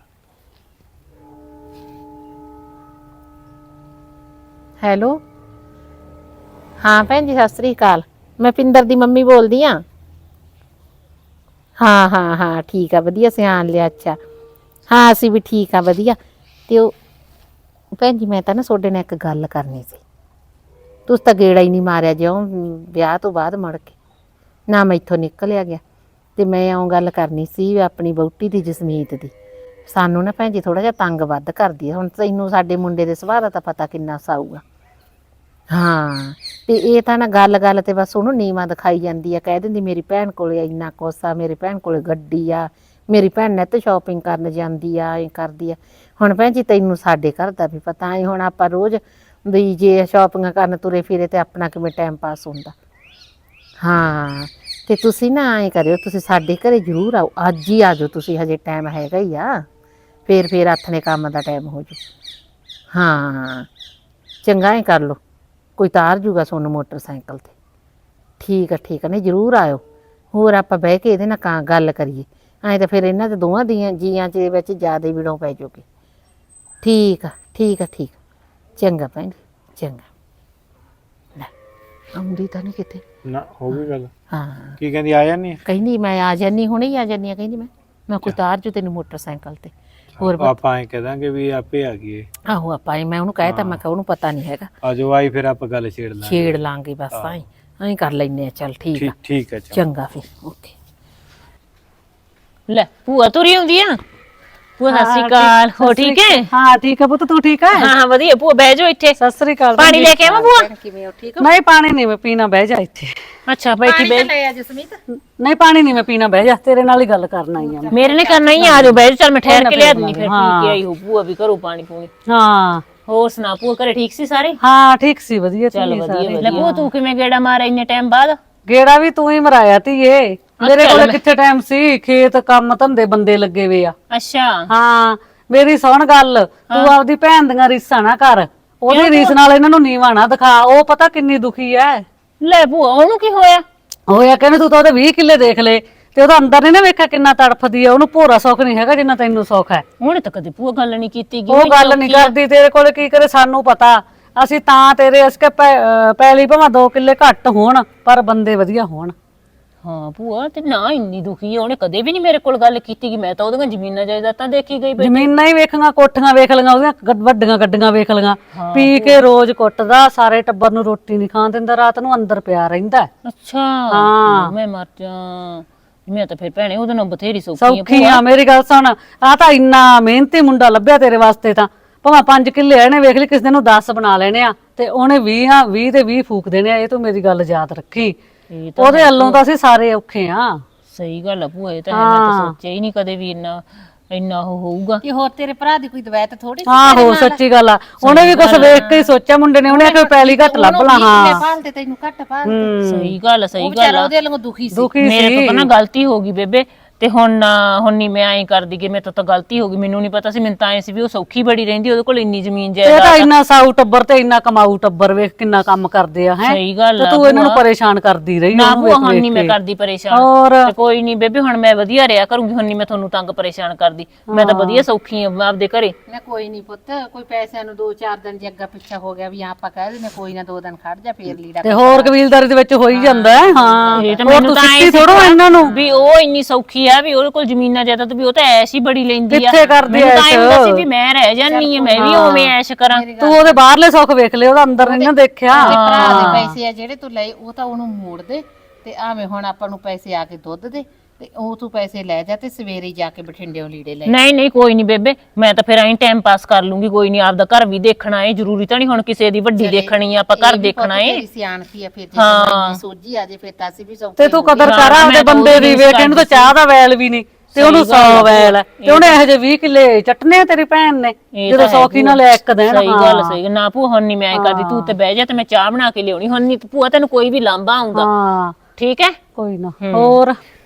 [SPEAKER 3] ਹੈਲੋ ਹਾਂ ਭੈਣ ਜੀ ਸਤਿ ਸ੍ਰੀ ਅਕਾਲ, ਮੈਂ ਪਿੰਦਰ ਦੀ ਮੰਮੀ ਬੋਲਦੀ ਆ। ਹਾਂ ਹਾਂ ਹਾਂ ਠੀਕ ਆ, ਵਧੀਆ ਸਿਆਣ ਲਿਆ। ਅੱਛਾ ਹਾਂ ਅਸੀਂ ਵੀ ਠੀਕ ਆ ਵਧੀਆ। ਤੇ ਉਹ ਭੈਣ ਜੀ ਮੈਂ ਤਾਂ ਨਾ ਤੁਹਾਡੇ ਨਾਲ ਇੱਕ ਗੱਲ ਕਰਨੀ ਸੀ। ਤੁਸੀਂ ਤਾਂ ਗੇੜਾ ਹੀ ਨਹੀਂ ਮਾਰਿਆ ਜਿਉਂ ਵਿਆਹ ਤੋਂ ਬਾਅਦ ਮੁੜ ਕੇ ਨਾ ਮੈਥੋਂ ਨਿਕਲਿਆ ਗਿਆ। ਤੇ ਮੈਂ ਉਹ ਗੱਲ ਕਰਨੀ ਸੀ ਆਪਣੀ ਵਹੁਟੀ ਦੀ ਜਸਮੀਤ ਦੀ। ਸਾਨੂੰ ਨਾ ਭੈਣ ਜੀ ਥੋੜਾ ਜਿਹਾ ਤੰਗ ਵੱਧ ਕਰਦੀ ਹੈ। ਹੁਣ ਤੈਨੂੰ ਸਾਡੇ ਮੁੰਡੇ ਦੇ ਸੁਭਾਅ ਦਾ ਤਾਂ ਪਤਾ ਕਿੰਨਾ ਸਾਊਗਾ। ਹਾਂ ਤੇ ਇਹ ਤਾਂ ਨਾ ਗੱਲ ਗੱਲ ਤੇ ਬਸ ਉਹਨੂੰ ਨੀਵਾਂ ਦਿਖਾਈ ਜਾਂਦੀ ਆ, ਕਹਿ ਦਿੰਦੀ ਮੇਰੀ ਭੈਣ ਕੋਲੇ ਇੰਨਾ ਕੁਛ ਆ, ਮੇਰੀ ਭੈਣ ਕੋਲੇ ਗੱਡੀ ਆ, ਮੇਰੀ ਭੈਣ ਨੇ ਤੇ ਸ਼ਾਪਿੰਗ ਕਰਨ ਜਾਂਦੀ ਆ, ਇਹ ਕਰਦੀ ਆ। ਹੁਣ ਭੈਣ ਜੀ ਤੈਨੂੰ ਸਾਡੇ ਘਰ ਦਾ ਵੀ ਪਤਾ ਹੈ, ਹੁਣ ਆਪਾਂ ਰੋਜ਼ ਵੀ ਜੇ ਸ਼ਾਪਿੰਗ ਕਰਨ ਤੁਰੇ ਫਿਰੇ ਤੇ ਆਪਣਾ ਕਿਵੇਂ ਟਾਈਮ ਪਾਸ ਹੁੰਦਾ। ਹਾਂ ਤੇ ਤੁਸੀਂ ਨਾ ਐਂ ਕਰਿਓ, ਤੁਸੀਂ ਸਾਡੇ ਘਰੇ ਜ਼ਰੂਰ ਆਓ, ਅੱਜ ਹੀ ਆ ਜਾਓ ਤੁਸੀਂ, ਹਜੇ ਟਾਈਮ ਹੈਗਾ ਹੀ ਆ, ਫੇਰ ਫੇਰ ਆਥਣੇ ਕੰਮ ਦਾ ਟਾਈਮ ਹੋ ਜੂ। ਹਾਂ ਚੰਗਾ ਹੀ ਕਰ ਲਓ, ਕੋਈ ਤਾਰ ਜੂਗਾ ਤੁਹਾਨੂੰ ਮੋਟਰਸਾਈਕਲ ਤੇ। ਠੀਕ ਆ ਠੀਕ ਆ, ਨਹੀਂ ਜ਼ਰੂਰ ਆਇਓ। ਹੋਰ ਆਪਾਂ ਬਹਿ ਕੇ ਇਹਦੇ ਨਾਲ ਕਾਂ ਗੱਲ ਕਰੀਏ, ਐਂ ਤਾਂ ਫਿਰ ਇਹਨਾਂ ਦੇ ਦੋਵਾਂ ਦੀਆਂ ਜੀਆਂ ਦੇ ਵਿੱਚ ਜ਼ਿਆਦਾ ਵਿੜੋਂ ਪੈ ਜਾਊਗੀ। ਠੀਕ ਆ ਠੀਕ ਆ ਠੀਕ ਆ, ਚੰਗਾ ਭੈਣ ਜੀ ਚੰਗਾ। ਲੈ ਆਉਂਦੀ ਤਾਂ ਨਹੀਂ ਕਿਤੇ।
[SPEAKER 1] ਨਾ ਹੋ ਗਈ ਗੱਲ।
[SPEAKER 3] ਹਾਂ
[SPEAKER 1] ਕੀ ਕਹਿੰਦੀ ਆ ਜਾਨੀ?
[SPEAKER 3] ਕਹਿੰਦੀ ਮੈਂ ਆ ਜਾਨੀ, ਹੁਣੇ ਹੀ ਆ ਜਾਨੀ ਆ, ਕਹਿੰਦੀ ਮੈਂ ਮੈਂ ਕੋਈ ਤਾਰ ਜੂ ਤੈਨੂੰ ਮੋਟਰਸਾਈਕਲ ਤੇ। ਹੋਰ
[SPEAKER 1] ਆਪਾਂ ਐ ਕਹਿ ਦਾਂਗੇ ਵੀ ਆਪੇ ਆ ਗਈ।
[SPEAKER 3] ਆਹੋ ਆਪਾਂ ਐਂ- ਮੈਂ ਉਹਨੂੰ ਕਹਿਤਾ, ਮੈਂ ਕਿਹਾ ਉਹਨੂੰ ਪਤਾ ਨਹੀਂ ਹੈਗਾ,
[SPEAKER 1] ਆ ਜੋ ਆਈ ਫਿਰ ਆਪਾਂ ਗੱਲ ਛੇੜ ਲਾਂਗੇ।
[SPEAKER 3] ਛੇੜ ਲਾਂਗੇ ਬਸ, ਐਂ ਐਂ ਕਰ ਲੈਨੇ ਆ। ਚੱਲ ਠੀਕ ਆ
[SPEAKER 1] ਠੀਕ ਠੀਕ ਹੈ ਚੰਗਾ।
[SPEAKER 3] ਚੰਗਾ ਫਿਰ ਓਕੇ।
[SPEAKER 2] ਲੈ ਭੂਆ ਤੁਰੀ ਆਉਂਦੀ ਆ। ਭੂਆ ਸਤਿ ਸ਼੍ਰੀ ਅਕਾਲ, ਹੋ ਠੀਕ ਹੈ?
[SPEAKER 4] ਹਾਂ ਠੀਕ ਹੈ ਪੁੱਤ, ਤੂੰ ਠੀਕ ਹੈ?
[SPEAKER 2] ਹਾਂ ਹਾਂ ਵਧੀਆ। ਭੂਆ ਬਹਿ ਜਾਓ ਇੱਥੇ,
[SPEAKER 4] ਸਤਿ ਸ੍ਰੀ ਅਕਾਲ।
[SPEAKER 2] ਪਾਣੀ ਲੈ ਕੇ ਆਵਾਂ ਭੂਆ?
[SPEAKER 3] ਕਿਵੇਂ ਹੋ ਠੀਕ ਹੋ?
[SPEAKER 4] ਨਹੀਂ ਪਾਣੀ ਨਹੀਂ ਮੈਂ ਪੀਣਾ, ਬਹਿ ਜਾ ਇੱਥੇ।
[SPEAKER 2] ਅੱਛਾ ਬੈਠੀ ਬਹਿ।
[SPEAKER 3] ਲੈ ਆ ਜਸਮੀਤ।
[SPEAKER 4] ਨਹੀਂ ਪਾਣੀ ਨਹੀਂ ਮੈਂ ਪੀਣਾ, ਬਹਿ ਜਾ, ਤੇਰੇ ਨਾਲ ਹੀ ਗੱਲ ਕਰਨ ਆਈ ਆ ਮੈਂ।
[SPEAKER 2] ਮੇਰੇ ਨੇ ਕਰਨਾ ਹੀ ਆ ਜਾਓ ਬਹਿ ਜਾਓ। ਚੱਲ ਮੈਂ ਠਹਿਰ ਕੇ ਲਿਆ ਦਿੰਦੀ, ਫਿਰ ਪੀ ਕੇ ਆਈ ਹੋ ਭੂਆ ਵੀ ਘਰੋਂ ਪਾਣੀ ਪੂਣੀ।
[SPEAKER 4] ਹਾਂ
[SPEAKER 2] ਹੋਰ ਸੁਣਾ ਭੂਆ, ਘਰੇ ਠੀਕ ਸੀ ਸਾਰੇ?
[SPEAKER 4] ਹਾਂ ਠੀਕ ਸੀ, ਵਧੀਆ
[SPEAKER 2] ਚੱਲ
[SPEAKER 4] ਸੀ
[SPEAKER 2] ਵਧੀਆ
[SPEAKER 4] ਸਾਰੇ।
[SPEAKER 2] ਵਧੀਆ। ਭੂਆ ਤੂੰ ਕਿਵੇਂ ਗੇੜਾ ਮਾਰਿਆ ਇੰਨੇ ਟਾਈਮ ਬਾਅਦ?
[SPEAKER 4] ਗੇੜਾ ਵੀ ਤੂੰ ਹੀ ਮਰਾਇਆ ਧੀਏ, ਮੇਰੇ ਕੋਲ ਕਿੱਥੇ ਟਾਈਮ ਸੀ, ਖੇਤ ਕੰਮ ਧੰਦੇ ਬੰਦੇ ਲੱਗੇ ਵੇ ਆ।
[SPEAKER 2] ਅੱਛਾ
[SPEAKER 4] ਹਾਂ ਮੇਰੀ ਸੁਣ ਗੱਲ, ਤੂੰ ਆਪਦੀ ਭੈਣ ਦੀਆਂ ਰੀਸਾਂ ਨਾ ਕਰ, ਉਹਦੀ ਰੀਸ ਨਾਲ ਇਹਨਾਂ ਨੂੰ ਨੀਵਾਂ ਨਾ ਦਿਖਾ। ਉਹ ਪਤਾ ਕਿੰਨੀ ਦੁਖੀ ਐ।
[SPEAKER 2] ਲੈ ਭੂਆ ਉਹਨੂੰ ਕੀ ਹੋਇਆ?
[SPEAKER 4] ਹੋਇਆ ਕਹਿੰਦੇ ਤੂੰ ਤਾਂ ਉਹਦੇ ਵੀਹ ਕਿੱਲੇ ਦੇਖ ਲੈ, ਤੇ ਉਹਦਾ ਅੰਦਰ ਨੀ ਨਾ ਵੇਖਿਆ ਕਿੰਨਾ ਤੜਫਦੀ ਆ। ਉਹਨੂੰ ਭੋਰਾ ਸੁੱਖ ਨਹੀਂ ਹੈਗਾ ਜਿੰਨਾ ਤੈਨੂੰ ਸੁੱਖ ਹੈ।
[SPEAKER 2] ਉਹਨੇ ਤਾਂ ਕਦੇ ਭੂਆ ਗੱਲ ਨਹੀਂ ਕੀਤੀ ਗੀ।
[SPEAKER 4] ਉਹ ਗੱਲ ਨਹੀਂ ਕਰਦੀ, ਤੇਰੇ ਕੋਲੇ ਕੀ ਕਰੇ ਸਾਨੂੰ ਪਤਾ। ਅਸੀਂ ਤਾਂ ਤੇਰੇ ਅਸਕੇ ਪੈਲੀ ਭਾਵੇਂ ਦੋ ਕਿੱਲੇ ਘੱਟ ਹੋਣ ਪਰ ਬੰਦੇ ਵਧੀਆ ਹੋਣ।
[SPEAKER 2] ਹਾਂ ਭੂਆ ਤੇ ਨਾ ਇੰਨੀ ਦੁਖੀ ਆ, ਉਹਨੇ ਕਦੇ ਵੀ ਨਹੀਂ ਮੇਰੇ ਕੋਲ ਗੱਲ ਕੀਤੀ ਕਿ ਮੈਂ ਤਾਂ ਉਹਦੀਆਂ ਜ਼ਮੀਨਾਂ ਜਾਇਦਾਦਾਂ ਦੇਖੀ ਗਈ।
[SPEAKER 4] ਜ਼ਮੀਨਾਂ ਹੀ ਵੇਖੀਆਂ, ਕੋਠੀਆਂ ਵੇਖ ਲਈਆਂ, ਉਹਦੀਆਂ ਗੱਡ- ਵੱਡੀਆਂ ਗੱਡੀਆਂ ਵੇਖ ਲਈਆਂ। ਪੀ ਕੇ ਰੋਜ਼ ਕੁੱਟਦਾ, ਸਾਰੇ ਟੱਬਰ ਨੂੰ ਰੋਟੀ ਨਹੀਂ ਖਾਣ ਦਿੰਦਾ, ਰਾਤ ਨੂੰ ਅੰਦਰ ਪਿਆ ਰਹਿੰਦਾ।
[SPEAKER 2] ਅੱਛਾ
[SPEAKER 4] ਹਾਂ
[SPEAKER 2] ਮੈਂ ਮਰ ਜਾ। ਮੈਂ ਤਾਂ ਫਿਰ ਭੈਣੇ ਉਹਦੇ ਨਾਲ ਬਥੇਰੀ ਸੌਖੀ ਆ।
[SPEAKER 4] ਸੌਖੀ ਆ, ਮੇਰੀ ਗੱਲ ਸੁਣ, ਆ ਤਾਂ ਇੰਨਾ ਮਿਹਨਤੀ ਮੁੰਡਾ ਲੱਭਿਆ ਤੇਰੇ ਵਾਸਤੇ। ਤਾਂ ਭਾਵੇਂ ਪੰਜ ਕਿੱਲੇ ਇਹਨੇ ਵੇਖ ਲਈ, ਕਿਸੇ ਦਿਨ ਨੂੰ ਦਸ ਬਣਾ ਲੈਣੇ ਆ, ਤੇ ਉਹਨੇ ਵੀਹ ਆ ਵੀਹ ਤੇ ਵੀਹ ਫੂਕ ਦੇਣੇ ਆ। ਇਹ ਤੂੰ ਮੇਰੀ ਗੱਲ ਯਾਦ ਰੱਖੀ,
[SPEAKER 2] ਇਹ ਤਾਂ
[SPEAKER 4] ਉਹਦੇ ਵੱਲੋਂ ਤਾਂ ਅਸੀਂ ਸਾਰੇ ਔਖੇ ਆ।
[SPEAKER 2] ਸਹੀ ਗੱਲ ਆ ਭੂਆ, ਇਹ ਤਾਂ ਹੈ। ਮੈਂ ਤਾਂ ਸੋਚਿਆ ਹੀ ਨਹੀਂ ਕਦੇ ਵੀ ਇੰਨਾ ਇੰਨਾ ਉਹ ਹੋਊਗਾ।
[SPEAKER 3] ਕਿ ਹੋਰ ਤੇਰੇ ਭਰਾ ਦੀ ਕੋਈ ਦਵਾਈ ਥੋੜੀ
[SPEAKER 4] ਆਹੋ ਸੱਚੀ ਗੱਲ ਆ, ਉਹਨੇ ਵੀ ਕੁਛ ਵੇਖ ਕੇ ਹੀ ਸੋਚਿਆ ਮੁੰਡੇ ਨੇ, ਉਹਨੇ ਆਖਿਆ ਪੈਲੀ ਘੱਟ ਲੱਭ ਲਾ। ਹਾਂ
[SPEAKER 3] ਪਾਲਦੇ ਤੈਨੂੰ ਘੱਟ ਪਾਲਦੇ।
[SPEAKER 2] ਸਹੀ ਗੱਲ ਆ ਸਹੀ ਗੱਲ
[SPEAKER 3] ਵਿਚਾਰਾ
[SPEAKER 2] ਆ।
[SPEAKER 3] ਉਹਦੇ ਵੱਲੋਂ ਦੁਖੀ ਸੀ।
[SPEAKER 4] ਦੁਖੀ
[SPEAKER 2] ਮੇਰੇ ਤੋਂ
[SPEAKER 4] ਸੀ।
[SPEAKER 2] ਤਾਂ ਨਾ ਗਲਤੀ ਹੋ ਗਈ ਬੇਬੇ, ਤੇ ਹੁਣ ਨਾ- ਹੁਣ ਨਹੀਂ ਮੈਂ ਐਂ ਕਰਦੀ ਕਿ ਮੇਰੇ ਤੋਂ ਤਾਂ ਗਲਤੀ ਹੋ ਗਈ, ਮੈਨੂੰ ਨਹੀਂ ਪਤਾ ਸੀ, ਮੈਨੂੰ ਤਾਂ ਐਂ ਸੀ ਵੀ ਉਹ ਸੌਖੀ ਬੜੀ ਰਹਿੰਦੀ, ਉਹਦੇ ਕੋਲ ਇੰਨੀ ਜ਼ਮੀਨ
[SPEAKER 4] ਇਹ ਤਾਂ
[SPEAKER 2] ਜਾਇਦਾਦ ਆ।
[SPEAKER 4] ਇੰਨਾ ਸਾਊ ਟੱਬਰ ਤੇ ਇੰਨਾ ਕਮਾਊ ਟੱਬਰ ਵੇਖ ਕਿੰਨਾ ਕੰਮ ਕਰਦੇ ਆ ਹੈ
[SPEAKER 2] ਸਹੀ ਗੱਲ
[SPEAKER 4] ਤੇ
[SPEAKER 2] ਆ
[SPEAKER 4] ਤੂੰ ਇਹਨਾਂ ਨੂੰ
[SPEAKER 2] ਭੂਆ।
[SPEAKER 4] ਪਰੇਸ਼ਾਨ ਕਰਦੀ ਰਹੀ
[SPEAKER 2] ਨਾ
[SPEAKER 4] ਉਹਨੂੰ
[SPEAKER 2] ਭੂਆ
[SPEAKER 4] ਵੇਖ
[SPEAKER 2] ਹੁਣ
[SPEAKER 4] ਵੇਖ
[SPEAKER 2] ਨਹੀਂ ਮੈਂ
[SPEAKER 4] ਕੇ।
[SPEAKER 2] ਕਰਦੀ ਪਰੇਸ਼ਾਨ,
[SPEAKER 4] ਹੋਰ
[SPEAKER 2] ਤੇ ਕੋਈ ਨਹੀਂ ਬੇਬੇ ਹੁਣ ਮੈਂ ਵਧੀਆ ਰਿਹਾ ਕਰੂੰਗੀ, ਹੁਣ ਨਹੀਂ ਮੈਂ ਤੁਹਾਨੂੰ ਤੰਗ ਪਰੇਸ਼ਾਨ ਕਰਦੀ, ਮੈਂ ਤਾਂ ਵਧੀਆ ਸੌਖੀ ਆ ਆਪਦੇ ਘਰੇ।
[SPEAKER 3] ਨਾ ਕੋਈ ਨਹੀਂ ਪੁੱਤ, ਕੋਈ ਪੈਸਿਆਂ ਨੂੰ ਦੋ ਚਾਰ ਦਿਨ ਜੇ ਅੱਗਾ ਪਿੱਛਾ ਹੋ ਗਿਆ ਵੀ ਆਪਾਂ ਕਹਿ ਦਿੰਦੇ ਕੋਈ ਨਾ ਦੋ ਦਿਨ ਖੜ ਜਾ ਫੇਰ ਲੀੜਾ
[SPEAKER 4] ਤੇ ਹੋਰ ਕਬੀਲਦਾਰੀ ਦੇ ਵਿੱਚ ਹੋ ਹੀ ਜਾਂਦਾ ਹੈ। ਹਾਂ
[SPEAKER 2] ਇਹ ਤਾਂ
[SPEAKER 4] ਹੋਰ
[SPEAKER 2] ਮੈਨੂੰ
[SPEAKER 4] ਤੂੰ
[SPEAKER 2] ਤਾਂ ਐਂ
[SPEAKER 4] ਸਿੱਟੀ
[SPEAKER 2] ਸੀ
[SPEAKER 4] ਥੋੜੋ ਇਹਨਾਂ ਨੂੰ
[SPEAKER 2] ਵੀ ਉਹ ਇੰਨੀ ਸੌਖੀ ਆ ਵੀ ਉਹਦੇ ਕੋਲ ਜ਼ਮੀਨਾਂ ਜਾਇਦਾਦ ਵੀ ਉਹ ਤਾਂ ਐਸ਼ ਹੀ ਬੜੀ ਲੈਂਦੀ ਆ।
[SPEAKER 4] ਕਿੱਥੇ ਕਰਦੀ
[SPEAKER 2] ਮੈਨੂੰ ਤਾਂ
[SPEAKER 4] ਐਸ਼?
[SPEAKER 2] ਐਂ ਹੁੰਦਾ ਸੀ ਵੀ ਮੈਂ ਰਹਿ ਜਾਨੀ ਆ, ਮੈਂ ਵੀ ਉਵੇਂ ਐਸ਼ ਕਰਾਂ।
[SPEAKER 4] ਤੂੰ ਉਹਦੇ ਬਾਹਰਲੇ ਸੁੱਖ ਵੇਖ ਲਿਆ, ਉਹਦਾ ਅੰਦਰ ਨਹੀਂ ਨਾ ਦੇਖਿਆ।
[SPEAKER 3] ਤੇ ਭਰਾ ਦੇ ਪੈਸੇ ਆ ਜਿਹੜੇ ਤੂੰ ਲਏ ਉਹ ਤਾਂ ਉਹਨੂੰ ਮੋੜ ਦੇ, ਤੇ ਆਵੇਂ ਹੁਣ ਆਪਾਂ ਨੂੰ ਪੈਸੇ ਆ ਕੇ ਦੁੱਧ ਦੇ, ਤੇ ਉਹ ਤੂੰ ਪੈਸੇ ਲੈ ਜਾ ਤੇ ਸਵੇਰੇ ਜਾ ਕੇ ਬਠਿੰਡਿਓਂ ਲੀੜੇ ਲੈ।
[SPEAKER 2] ਨਹੀਂ ਨਹੀਂ ਕੋਈ ਨਹੀਂ ਬੇਬੇ, ਮੈਂ ਤਾਂ ਫਿਰ ਐਂ ਟਾਈਮ ਪਾਸ ਕਰ ਲੂੰਗੀ, ਕੋਈ ਨਹੀਂ, ਆਪਦਾ ਘਰ ਵੀ ਦੇਖਣਾ ਏ, ਜ਼ਰੂਰੀ ਤਾਂ ਨਹੀਂ ਹੁਣ ਕਿਸੇ ਦੀ ਵੱਡੀ ਦੇਖਣੀ ਆ, ਆਪਾਂ ਘਰ ਦੇਖਣਾ ਏ।
[SPEAKER 3] ਤੇਰੀ ਸਿਆਣਤੀ ਆ, ਫਿਰ ਜੇ ਤੈਨੂੰ ਸੋਝੀ ਆ ਜੇ ਫਿਰ ਤਾਂ ਅਸੀਂ ਵੀ ਸੌਖੇ
[SPEAKER 4] ਤੇ ਤੂੰ ਕਦਰ
[SPEAKER 2] ਹਾਂ,
[SPEAKER 4] ਕਰ
[SPEAKER 2] ਮੈਂ
[SPEAKER 4] ਆਪਦੇ
[SPEAKER 2] ਤਾਂ
[SPEAKER 4] ਬੰਦੇ
[SPEAKER 2] ਉਹਦੀ
[SPEAKER 4] ਦੀ,
[SPEAKER 2] ਰੀਸ
[SPEAKER 4] ਵੇਖ ਇਹਨੂੰ ਤਾਂ ਚਾਹ ਦਾ ਵੈਲ ਵੀ ਨਹੀਂ ਤੇ ਉਹਨੂੰ ਸੌ ਵੈਲ ਹੈ, ਤੇ ਉਹਨੇ ਇਹੋ ਜਿਹੇ ਵੀਹ ਕਿੱਲੇ ਚੱਟਨੇ ਆ ਤੇਰੀ ਭੈਣ ਨੇ
[SPEAKER 2] ਇਹ
[SPEAKER 4] ਜਦੋਂ
[SPEAKER 2] ਤਾਂ ਹੈ
[SPEAKER 4] ਸੌਖੀ ਨਾਲ ਇੱਕ ਦਿਨ।
[SPEAKER 2] ਸਹੀ ਗੱਲ ਸਹੀ ਗੱਲ। ਨਾ ਭੂਆ ਹੁਣ ਨਹੀਂ ਮੈਂ ਐਂ ਕਰਦੀ, ਤੂੰ ਤੇ ਬਹਿ ਜਾ ਤੇ ਮੈਂ ਚਾਹ ਬਣਾ ਕੇ ਲਿਆਉਣੀ, ਹੁਣ ਨਹੀਂ ਭੂਆ ਤੈਨੂੰ ਕੋਈ ਵੀ ਲਾਂਭਾ ਆਉਂਦਾ।
[SPEAKER 4] ਹਾਂ
[SPEAKER 2] ਠੀਕ ਹੈ।
[SPEAKER 4] ਕੋਈ ਨਾ। ਹੋਰ